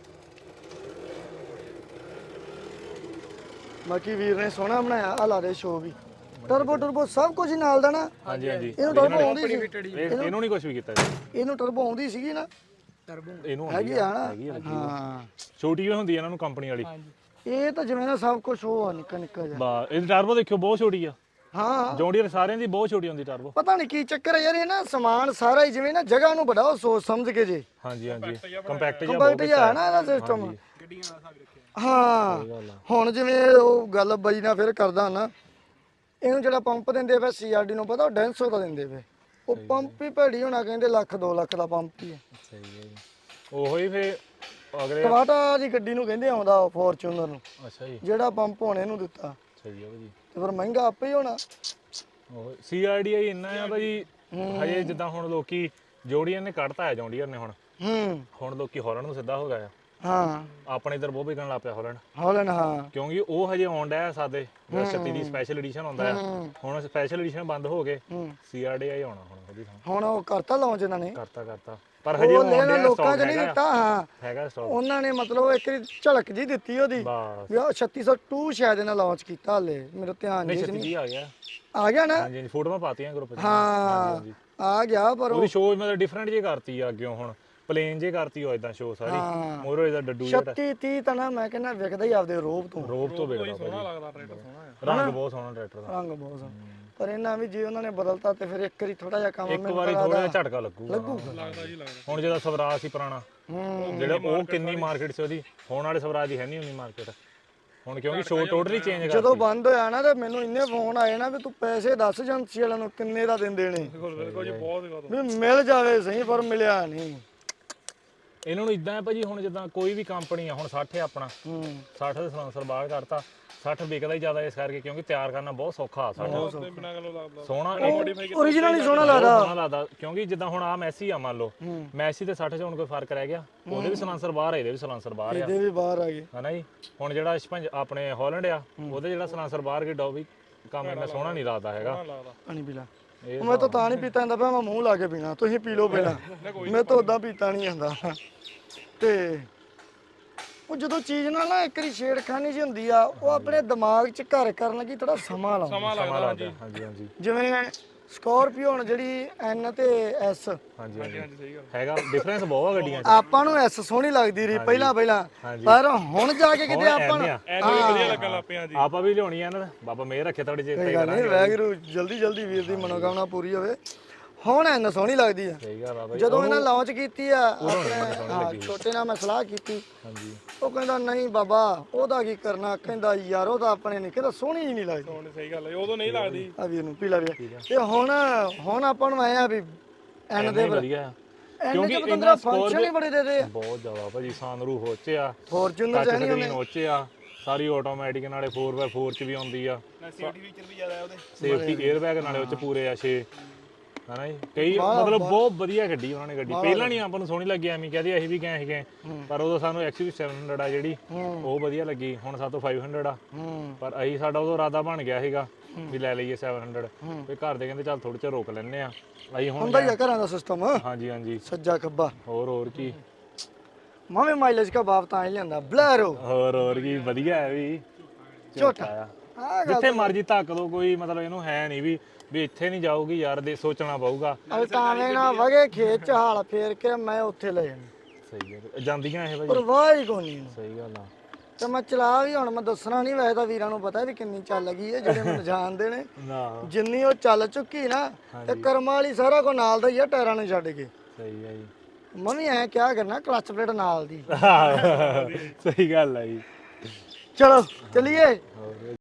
[SPEAKER 1] ਬਾਕੀ ਵੀਰ ਨੇ ਸੋਹਣਾ ਬਣਾਇਆ ਆ ਲਾ ਦੇ ਸ਼ੋ ਵੀ ਟਰਬੋ ਟਰਬੋ ਸਭ ਕੁਝ ਨਾਲ ਦਾ ਨਾ
[SPEAKER 2] ਹਾਂਜੀ ਹਾਂਜੀ
[SPEAKER 1] ਇਹਨੂੰ ਟਰਬੋ ਆਉਂਦੀ ਸੀ
[SPEAKER 2] ਇਹ- ਇਹਨੂੰ ਨਹੀਂ ਕੁਝ ਵੀ ਕੀਤਾ ਜੀ
[SPEAKER 1] ਇਹਨੂੰ ਟਰਬੋ ਆਉਂਦੀ ਸੀਗੀ ਨਾ
[SPEAKER 3] ਟਰਬੋ
[SPEAKER 2] ਇਹਨੂੰ
[SPEAKER 1] ਹੈਗੀ
[SPEAKER 2] ਆਉਂਦੀ
[SPEAKER 1] ਆ
[SPEAKER 2] ਆ
[SPEAKER 1] ਨਾ
[SPEAKER 2] ਹੈਗੀ ਆ ਲੱਗੀ।
[SPEAKER 1] ਹਾਂ
[SPEAKER 2] ਛੋਟੀ ਹੋਈ ਹੁੰਦੀ ਆ ਇਹਨਾਂ ਨੂੰ ਕੰਪਨੀ ਵਾਲੀ
[SPEAKER 3] ਹਾਂਜੀ
[SPEAKER 1] ਇਹ ਤਾਂ ਜਿਵੇਂ ਨਾ ਸਭ ਕੁਝ ਉਹ ਆ ਨਿੱਕਾ ਨਿੱਕਾ ਜਿਹਾ
[SPEAKER 2] ਬਾ ਇਹ ਟਰਬੋ ਦੇਖਿਓ ਬਹੁਤ ਛੋਟੀ ਆ
[SPEAKER 1] ਹਾਂ
[SPEAKER 2] ਜੌਂਡੀਅਰ ਸਾਰਿਆਂ ਦੀ ਬਹੁਤ ਛੋਟੀ ਹੁੰਦੀ ਟਰਬੋ
[SPEAKER 1] ਪਤਾ ਨਹੀਂ ਕੀ ਚੱਕਰ ਹੈ ਯਾਰ ਇਹ ਨਾ ਸਮਾਨ ਸਾਰਾ ਹੀ ਜਿਵੇਂ ਨਾ ਜਗ੍ਹਾ ਨੂੰ ਵਧਾਓ ਸੋਚ ਸਮਝ ਕੇ ਜੇ
[SPEAKER 2] ਹਾਂਜੀ ਹਾਂਜੀ ਕੰਪੈਕਟ ਜਿਹਾ
[SPEAKER 1] ਕੰਪੈਕਟ ਜਿਹਾ ਹੈ ਨਾ ਇਹਦਾ ਸਿਸਟਮ
[SPEAKER 3] ਗੱਡੀਆਂ ਨਾਲ ਹਿਸਾਬ ਰੱਖਿਆ
[SPEAKER 1] ਹਾਂ
[SPEAKER 2] ਗੱਲ ਆ।
[SPEAKER 1] ਹੁਣ ਜਿਵੇਂ ਉਹ ਗੱਲ ਬਾਈ ਨਾਲ ਫਿਰ ਕਰਦਾ ਨਾ ਇਹਨੂੰ ਜਿਹੜਾ ਪੰਪ ਦਿੰਦੇ ਪਏ ਸੀਆਰਡੀ ਨੂੰ ਪਤਾ ਉਹ ਡੈਂਸੋ ਦਾ ਦਿੰਦੇ ਪਏ ਉਹ ਪੰਪ ਹੀ ਭੈੜੀ ਹੋਣਾ ਕਹਿੰਦੇ ਲੱਖ ਦੋ ਲੱਖ ਦਾ ਪੰਪ ਹੀ ਹੈ
[SPEAKER 2] ਸਹੀ ਹੈ ਜੀ ਉਹੋ ਹੀ ਫੇ ਅਗਲੇ
[SPEAKER 1] ਟਮਾਟਾ ਦੀ ਗੱਡੀ ਨੂੰ ਕਹਿੰਦੇ ਆਉਂਦਾ ਫੋਰਚੂਨਰ ਨੂੰ
[SPEAKER 2] ਅੱਛਾ ਜੀ
[SPEAKER 1] ਜਿਹੜਾ ਪੰਪ ਹੁਣ ਇਹਨੂੰ ਦਿੱਤਾ
[SPEAKER 2] ਸਹੀ ਹੈ ਭਾਜੀ
[SPEAKER 1] ਤੇ ਫਿਰ ਮਹਿੰਗਾ ਆਪੇ ਹੀ ਹੋਣਾ
[SPEAKER 2] ਉਹ ਸੀਆਰਡੀਆਈ ਇੰਨਾ ਆ ਭਾਜੀ ਹਜੇ ਜਿੱਦਾਂ ਹੁਣ ਲੋਕੀ ਜੋੜੀਆਂ ਨੇ ਕੱਢਤਾ ਹੈ ਜੌਂਡੀਅਰ ਨੇ ਹੁਣ
[SPEAKER 1] ਹੂੰ
[SPEAKER 2] ਹੁਣ ਲੋਕੀ ਹਾਲੈਂਡ ਨੂੰ ਸਿੱਧਾ ਹੋ ਗਿਆ ਆ।
[SPEAKER 1] ਹਾਂ
[SPEAKER 2] ਆਪਣੇ ਇਧਰ ਬਹੁਤ ਵਿਕਣ ਲੱਗ ਪਿਆ ਹਾਲੈਂਡ,
[SPEAKER 1] ਹੌਲੈਂਡ ਹਾਂ
[SPEAKER 2] ਕਿਉਂਕਿ ਉਹ ਹਜੇ ਆਉਣ ਡਿਆ ਸਾਡੇ ਜਿਹੜਾ ਛੱਤੀ ਦੀ ਸਪੈਸ਼ਲ ਐਡੀਸ਼ਨ ਹੁੰਦਾ ਆ। ਹੁਣ ਸਪੈਸ਼ਲ ਐਡੀਸ਼ਨ ਬੰਦ ਹੋ ਗਏ, ਸੀਆਰਡੀਆਈ ਆਉਣਾ ਹੁਣ ਉਹਦੀ ਥਾਂ।
[SPEAKER 1] ਹੁਣ ਉਹ ਕਰਤਾ ਲਾਂਚ ਇਹਨਾਂ ਨੇ,
[SPEAKER 2] ਕਰਤਾ ਕਰਤਾ ਪਰ ਹਜੇ
[SPEAKER 1] ਉਹ
[SPEAKER 2] ਉਹ ਆਉਣ
[SPEAKER 1] ਲੈਣਾ
[SPEAKER 2] ਡਿਆ,
[SPEAKER 1] ਲੋਕਾਂ
[SPEAKER 2] ਸਟਾਕ
[SPEAKER 1] 'ਚ ਨਹੀਂ
[SPEAKER 2] ਹੈਗਾ
[SPEAKER 1] ਦਿੱਤਾ। ਹਾਂ
[SPEAKER 2] ਹੈਗਾ ਸਟਾਕ
[SPEAKER 1] ਉਹਨਾਂ ਨੇ ਮਤਲਬ ਇੱਕ ਵਾਰੀ ਝਲਕ ਜੀ ਦਿੱਤੀ ਉਹਦੀ
[SPEAKER 2] ਬਸ।
[SPEAKER 1] ਵੀ ਉਹ ਛੱਤੀ ਸੌ ਦੋ ਸ਼ਾਇਦ ਇਹਨਾਂ ਲਾਂਚ ਕੀਤਾ ਹਲੇ, ਮੇਰੇ ਧਿਆਨ
[SPEAKER 2] ਨਹੀਂ
[SPEAKER 1] ਜੀ
[SPEAKER 2] ਛੱਤੀ
[SPEAKER 1] ਨਹੀਂ
[SPEAKER 2] ਦੀ ਆ ਗਿਆ।
[SPEAKER 1] ਆ ਗਿਆ ਨਾ।
[SPEAKER 2] ਹਾਂਜੀ ਹਾਂਜੀ ਫੋਟੋਆਂ ਪਾਤੀਆਂ ਗਰੁੱਪ 'ਚ।
[SPEAKER 1] ਹਾਂ ਆ ਗਿਆ ਪਰ ਉਹ
[SPEAKER 2] ਉਹਦੀ ਸ਼ੋਅ ਮਤਲਬ ਡਿਫਰੈਂਟ ਜੇ ਕਰਤੀ ਆ ਅੱਗੇ ਹੁਣ ਪਲੇਨ ਜੇ ਕਰਤੀ ਉਹ ਇਦਾਂ ਸ਼ੋਅ ਸਾਰੀ ਮੋਰੋ ਇਹਦਾ ਡੱਡੂ ਜਿਹੜਾ
[SPEAKER 1] ਛੱਤੀ ਤੀਹ ਤਾਂ ਨਾ ਮੈਂ ਕਹਿੰਦਾ ਵਿਕਦਾ ਹੀ ਆਪਦੇ ਰੋਬ ਤੋਂ।
[SPEAKER 2] ਰੋਬ ਤੋਂ ਵੇਖਦਾ
[SPEAKER 3] ਸੋਹਣਾ
[SPEAKER 2] ਭਾਜੀ,
[SPEAKER 3] ਲੱਗਦਾ ਟਰੈਕਟਰ ਸੋਹਣਾ ਆ।
[SPEAKER 2] ਰੰਗ ਬਹੁਤ ਸੋਹਣਾ ਟਰੈਕਟਰ ਦਾ।
[SPEAKER 1] ਰੰਗ ਬਹੁਤ ਸੋਹਣਾ, ਪਰ ਇਹਨਾਂ ਵੀ ਜੇ ਉਹਨਾਂ ਨੇ ਬਦਲਤਾ ਤੇ ਫਿਰ ਇੱਕ ਵਾਰੀ ਥੋੜਾ ਜਿਹਾ ਕੰਮ
[SPEAKER 2] ਇੱਕ
[SPEAKER 1] ਮੈਨੂੰ
[SPEAKER 2] ਵਾਰੀ
[SPEAKER 1] ਲੱਗਦਾ
[SPEAKER 2] ਥੋੜਾ ਜਿਹਾ ਝਟਕਾ ਲੱਗੂਗਾ।
[SPEAKER 3] ਲੱਗਦਾ ਜੀ ਲੱਗਦਾ।
[SPEAKER 2] ਹੁਣ ਜਿਹਦਾ ਸਵਰਾਜ ਸੀ ਪੁਰਾਣਾ,
[SPEAKER 1] ਹੂੰ
[SPEAKER 2] ਜਿਹੜਾ ਉਹ ਕਿੰਨੀ ਮਾਰਕੀਟ ਸੀ ਉਹਦੀ, ਹੁਣ ਵਾਲੇ ਸਵਰਾਜ ਦੀ ਹੈ ਨਹੀਂ ਉਨੀ ਮਾਰਕੀਟ ਹੁਣ, ਕਿਉਂਕਿ ਸ਼ੋਅ ਟੋਟਲੀ ਚੇਂਜ ਕਰਤੀ।
[SPEAKER 1] ਜਦੋਂ ਬੰਦ ਹੋਇਆ ਨਾ ਤੇ ਮੈਨੂੰ ਇੰਨੇ ਫੋਨ ਆਏ ਨਾ ਵੀ ਤੂੰ ਪੈਸੇ ਦੱਸ ਏਜੰਸੀ ਵਾਲਿਆਂ ਨੂੰ ਕਿੰਨੇ ਦਾ ਦਿੰਦੇ ਨੇ,
[SPEAKER 3] ਬਿਲਕੁਲ ਬਿਲਕੁਲ ਜੀ ਬਹੁਤ ਜ਼ਿਆਦਾ।
[SPEAKER 1] ਵੀ ਮਿਲ ਜਾਵੇ ਸਹੀ ਪਰ ਮਿਲਿਆ ਨਹੀਂ।
[SPEAKER 2] ਇਹਨਾਂ ਨੂੰ ਇਦਾਂ ਹੈ ਭਾਜੀ, ਹੁਣ ਜਿੱਦਾਂ ਕੋਈ ਵੀ ਕੰਪਨੀ ਆ, ਹੁਣ ਸੱਠ ਹੈ ਆਪਣਾ,
[SPEAKER 1] ਹੂੰ
[SPEAKER 2] ਸੱਠ ਦੇ ਸਲੈਂਸਰ ਬਾਹਰ ਕਰਤਾ, ਸੱਠ ਵਿਕਦਾ ਹੀ ਜ਼ਿਆਦਾ ਇਸ ਕਰਕੇ ਕਿਉਂਕਿ ਤਿਆਰ ਕਰਨਾ ਬਹੁਤ ਸੌਖਾ ਸੱਠ
[SPEAKER 3] ਤੇ ਬਿਨਾਂ ਗੱਲੋਂ ਲੱਗਦਾ।
[SPEAKER 2] ਸੋਹਣਾ
[SPEAKER 1] ਓਰੀਜਨਲ ਹੀ ਸੋਹਣਾ
[SPEAKER 2] ਬਹੁਤ
[SPEAKER 1] ਲੱਗਦਾ।
[SPEAKER 2] ਸੋਹਣਾ ਲੱਗਦਾ, ਕਿਉਂਕਿ ਜਿੱਦਾਂ ਹੁਣ ਆ ਮੈਸੀ ਆ ਮੰਨ ਲਓ, ਮੈਸੀ ਤੇ ਸੱਠ ਚ ਹੁਣ ਕੋਈ ਫਰਕ ਰਹਿ ਗਿਆ, ਉਹਦੇ ਵੀ ਸਲੈਂਸਰ ਬਾਹਰ ਆ, ਇਹਦੇ ਵੀ ਸਲੈਂਸਰ ਬਾਹਰ ਆ,
[SPEAKER 1] ਇਹਦੇ ਵੀ ਬਾਹਰ ਆ ਗਏ।
[SPEAKER 2] ਹਨਾ ਜੀ। ਹੁਣ ਜਿਹੜਾ ਛਪੰਜ ਆਪਣੇ ਹਾਲੈਂਡ ਆ, ਉਹਦੇ ਜਿਹੜਾ ਸਲੈਂਸਰ ਬਾਹਰ ਗਿਆ ਵੀ ਕੰਮ ਇੰਨਾ ਸੋਹਣਾ ਨਹੀਂ ਲੱਗਦਾ ਹੈਗਾ।
[SPEAKER 1] ਪਾਣੀ ਪੀ ਲਾ।
[SPEAKER 2] ਇਹ
[SPEAKER 1] ਮੈਂ ਤਾਂ ਤਾਂ ਨਹੀਂ ਪੀਤਾ ਜਾਂਦਾ ਪਿਆ, ਮੈਂ ਮੂੰਹ ਲਾ ਕੇ ਪੀਣਾ, ਤੁਸੀਂ ਪੀ ਲਓ ਪਹਿਲਾਂ, ਮੈਂ ਤਾਂ ਉਦਾਂ ਪੀਤਾ ਨਹੀਂ ਜਾਂਦਾ। ਤੇ ਉਹ ਜਦੋਂ ਚੀਜ਼ ਨਾਲ ਨਾ ਇੱਕ ਵਾਰੀ ਛੇੜਖਾਨੀ ਜਿਹੀ ਹੁੰਦੀ ਆ, ਉਹ ਆਪਣੇ ਦਿਮਾਗ 'ਚ ਘਰ ਕਰਨ ਲੱਗੀ ਥੋੜਾ ਸਮਾਂ ਲਾਉਂਦਾ।
[SPEAKER 3] ਸਮਾਂ ਲੱਗਦਾ ਹਾਂਜੀ
[SPEAKER 2] ਹਾਂਜੀ ਹਾਂਜੀ
[SPEAKER 1] ਜਿਵੇਂ ਸਕਾਰਪੀਓ ਹੁਣ ਜਿਹੜੀ ਐਨ ਤੇ ਐਸ,
[SPEAKER 2] ਹਾਂਜੀ ਹਾਂਜੀ
[SPEAKER 3] ਹਾਂਜੀ ਸਹੀ ਗੱਲ।
[SPEAKER 2] ਹੈਗਾ ਡਿਫਰੈਂਸ ਬਹੁਤ ਆ ਗੱਡੀਆਂ 'ਚ।
[SPEAKER 1] ਆਪਾਂ ਨੂੰ ਐਸ ਸੋਹਣੀ ਲੱਗਦੀ ਰਹੀ ਪਹਿਲਾਂ ਪਹਿਲਾਂ, ਪਰ ਹੁਣ ਜਾ ਕੇ ਕਿਤੇ ਆਪਾਂ ਨੂੰ
[SPEAKER 3] ਐਨੂੰ ਵੀ ਵਧੀਆ ਲੱਗਣ ਲੱਗ ਪਿਆ ਜੀ।
[SPEAKER 2] ਆਪਾਂ ਵੀ ਲਿਆਉਣੀ ਆ ਨਾ, ਬਾਬਾ ਮੇਰ ਰੱਖੇ ਤੁਹਾਡੇ ਜੇ
[SPEAKER 1] ਕੋਈ ਗੱਲ ਨਹੀਂ, ਵੈਗਰੂ ਜਲਦੀ ਜਲਦੀ ਵੀਰ ਦੀ ਮਨੋਕਾਮਨਾ ਪੂਰੀ ਹੋਵੇ। ਹੁਣ ਐਨ ਸੋਹਣੀ ਲੱਗਦੀ ਆ।
[SPEAKER 2] ਸਹੀ ਗੱਲ ਆ ਬਾਈ।
[SPEAKER 1] ਜਦੋਂ ਇਹਨਾਂ ਲਾਂਚ ਕੀਤੀ ਆ ਆਪਣੇ ਹਾਂ ਛੋਟੇ ਨਾਲ ਮੈਂ ਸਲਾਹ ਕੀਤੀ,
[SPEAKER 2] ਹਾਂਜੀ
[SPEAKER 1] ਉਹ ਕਹਿੰਦਾ ਨਹੀਂ ਬਾਬਾ ਉਹਦਾ ਕੀ ਕਰਨਾ, ਕਹਿੰਦਾ ਯਾਰ ਉਹ ਤਾਂ ਆਪਣੇ ਨਹੀਂ, ਕਹਿੰਦਾ ਸੋਹਣੀ ਹੀ ਨਹੀਂ ਲੱਗਦੀ।
[SPEAKER 3] ਹੁਣ ਸਹੀ ਗੱਲ ਹੈ, ਉਦੋਂ ਨਹੀਂ ਲੱਗਦੀ।
[SPEAKER 1] ਆ ਵੀਰ ਨੂੰ ਪੀਲਾ ਵੀਰ ਤੇ ਹੁਣ ਹੁਣ ਆਪਾਂ ਨੂੰ ਆਏ ਆ ਵੀ ਐਨ ਦੇ
[SPEAKER 2] ਵਧੀਆ
[SPEAKER 1] ਐਨ
[SPEAKER 2] ਕਿਉਂਕਿ
[SPEAKER 1] ਦੇ
[SPEAKER 2] ਇਹਨਾਂ
[SPEAKER 1] ਬੰਦਾ ਫੰਕਸ਼ਨ ਹੀ ਬੜੇ ਦੇ ਦੇ ਆ।
[SPEAKER 2] ਬਹੁਤ ਜ਼ਿਆਦਾ ਭਾਜੀ, ਸਾਨਰੂ ਹੋਚਿਆ,
[SPEAKER 1] ਫੋਰਚੂਨਰ
[SPEAKER 2] ਟੱਚ
[SPEAKER 1] ਚਾਹਣੀ
[SPEAKER 2] ਸਕਰੀਨ ਹੋਚਿਆ, ਸਾਰੀ ਆਟੋਮੈਟਿਕ, ਨਾਲੇ ਫੋਰ ਬਾਈ ਫੋਰ ਚ ਵੀ ਆਉਂਦੀ ਆ,
[SPEAKER 3] ਸੇਫਟੀ ਫੀਚਰ ਵੀ ਜ਼ਿਆਦਾ ਹੈ ਉਹਦੇ।
[SPEAKER 2] ਸੇਫਟੀ 에ਅਰ ਬੈਗ ਨਾਲੇ ਉਹ ਚ ਪੂਰੇ ਆ ਛੇ, ਹਨਾ ਜੀ। ਕਈ ਮਤਲਬ ਬਹੁਤ ਵਧੀਆ ਗੱਡੀ ਉਹਨਾਂ ਨੇ ਗੱਡੀ ਪਹਿਲਾਂ ਨਹੀਂ ਆਪਾਂ ਨੂੰ ਸੋਹਣੀ ਲੱਗੀ, ਐਵੇਂ ਕਹਦੇ ਅਸੀਂ ਵੀ ਗਏ ਸੀਗੇ, ਪਰ ਉਦੋਂ ਸਾਨੂੰ ਐਕਸਯੂ ਸੈਵਨ ਹੰਡਰਡ ਆ ਜਿਹੜੀ ਉਹ ਵਧੀਆ ਲੱਗੀ, ਹੁਣ ਸਾਤੋਂ ਫਾਈਵ ਹੰਡਰਡ ਆ, ਪਰ ਅਸੀਂ ਸਾਡਾ ਉਦੋਂ ਇਰਾਦਾ ਬਣ ਗਿਆ ਸੀਗਾ ਵੀ ਲੈ ਲਈਏ ਸੈਵਨ ਹੰਡਰਡ, ਤੇ ਘਰ ਦੇ ਕਹਿੰਦੇ ਚੱਲ ਥੋੜੇ ਚਿਰ ਰੋਕ ਲੈਣੇ ਆ, ਅਸੀਂ ਹੁਣ
[SPEAKER 1] ਹੁੰਦਾ ਹੀ ਆ ਘਰਾਂ ਦਾ ਸਿਸਟਮ,
[SPEAKER 2] ਹਾਂਜੀ ਹਾਂਜੀ
[SPEAKER 1] ਸੱਜਾ ਖੱਬਾ।
[SPEAKER 2] ਹੋਰ ਹੋਰ ਕੀ,
[SPEAKER 1] ਮਾਵੇਂ ਮਾਈਲੇਜ ਕਾ ਬਾਪ ਤਾਂ ਹੀ ਲਿਆਂਦਾ ਬਲੈਰੋ
[SPEAKER 2] ਹੋਰ ਹੋਰ ਕੀ ਵਧੀਆ ਹੈ ਵੀ
[SPEAKER 1] ਝੋਟਾ
[SPEAKER 2] ਆ।
[SPEAKER 1] ਆ
[SPEAKER 2] ਜਿੱਥੇ ਮਰਜ਼ੀ ਧੱਕ ਦੋ, ਕੋਈ ਮਤਲਬ ਇਹਨੂੰ ਹੈ ਨਹੀਂ ਵੀ ਵੀ ਇੱਥੇ ਨਹੀਂ ਜਾਊਗੀ ਯਾਰ, ਦੇ ਸੋਚਣਾ ਪਊਗਾ।
[SPEAKER 1] ਅਲਟਾਵੇਂ ਨਾ ਵਗੇ ਖੇਤ ਚ ਹਾਲ ਫੇਰ ਕੇ ਮੈਂ ਉੱਥੇ ਲੈ ਜਾਣਾ,
[SPEAKER 2] ਸਹੀ ਹੈ, ਜਾਂਦੀਆਂ ਇਹ ਭਾਜੀ,
[SPEAKER 1] ਪਰਵਾਹ ਹੀ ਕੋਈ ਨਹੀਂ।
[SPEAKER 2] ਸਹੀ ਗੱਲ ਆ।
[SPEAKER 1] ਤੇ ਮੈਂ ਚਲਾ ਵੀ ਹੁਣ ਮੈਂ ਦੱਸਣਾ ਨਹੀਂ, ਵੈਸੇ ਤਾਂ ਵੀਰਾਂ ਨੂੰ ਪਤਾ ਵੀ ਕਿੰਨੀ ਚੱਲ ਗਈ ਹੈ, ਜਿਹੜੇ ਮੈਨੂੰ ਜਾਣਦੇ ਨੇ।
[SPEAKER 2] ਨਾ
[SPEAKER 1] ਜਿੰਨੀ ਉਹ ਚੱਲ ਚੁੱਕੀ ਨਾ, ਤੇ ਕਰਮਾਂ ਵਾਲੀ ਸਾਰਾ ਕੋ ਨਾਲ ਦਾ ਹੀ ਆ, ਟਾਇਰਾਂ ਨੂੰ ਛੱਡ ਕੇ।
[SPEAKER 2] ਸਹੀ ਹੈ ਜੀ।
[SPEAKER 1] ਮੈਂ ਵੀ ਐਂ ਕਿਹਾ ਕਰਨਾ ਕਲੱਚ ਪਲੇਟ ਨਾਲ ਦੀ।
[SPEAKER 2] ਸਹੀ ਗੱਲ ਹੈ ਜੀ।
[SPEAKER 1] ਚਲੋ ਚਲਿਏ।
[SPEAKER 2] ਹੋਰ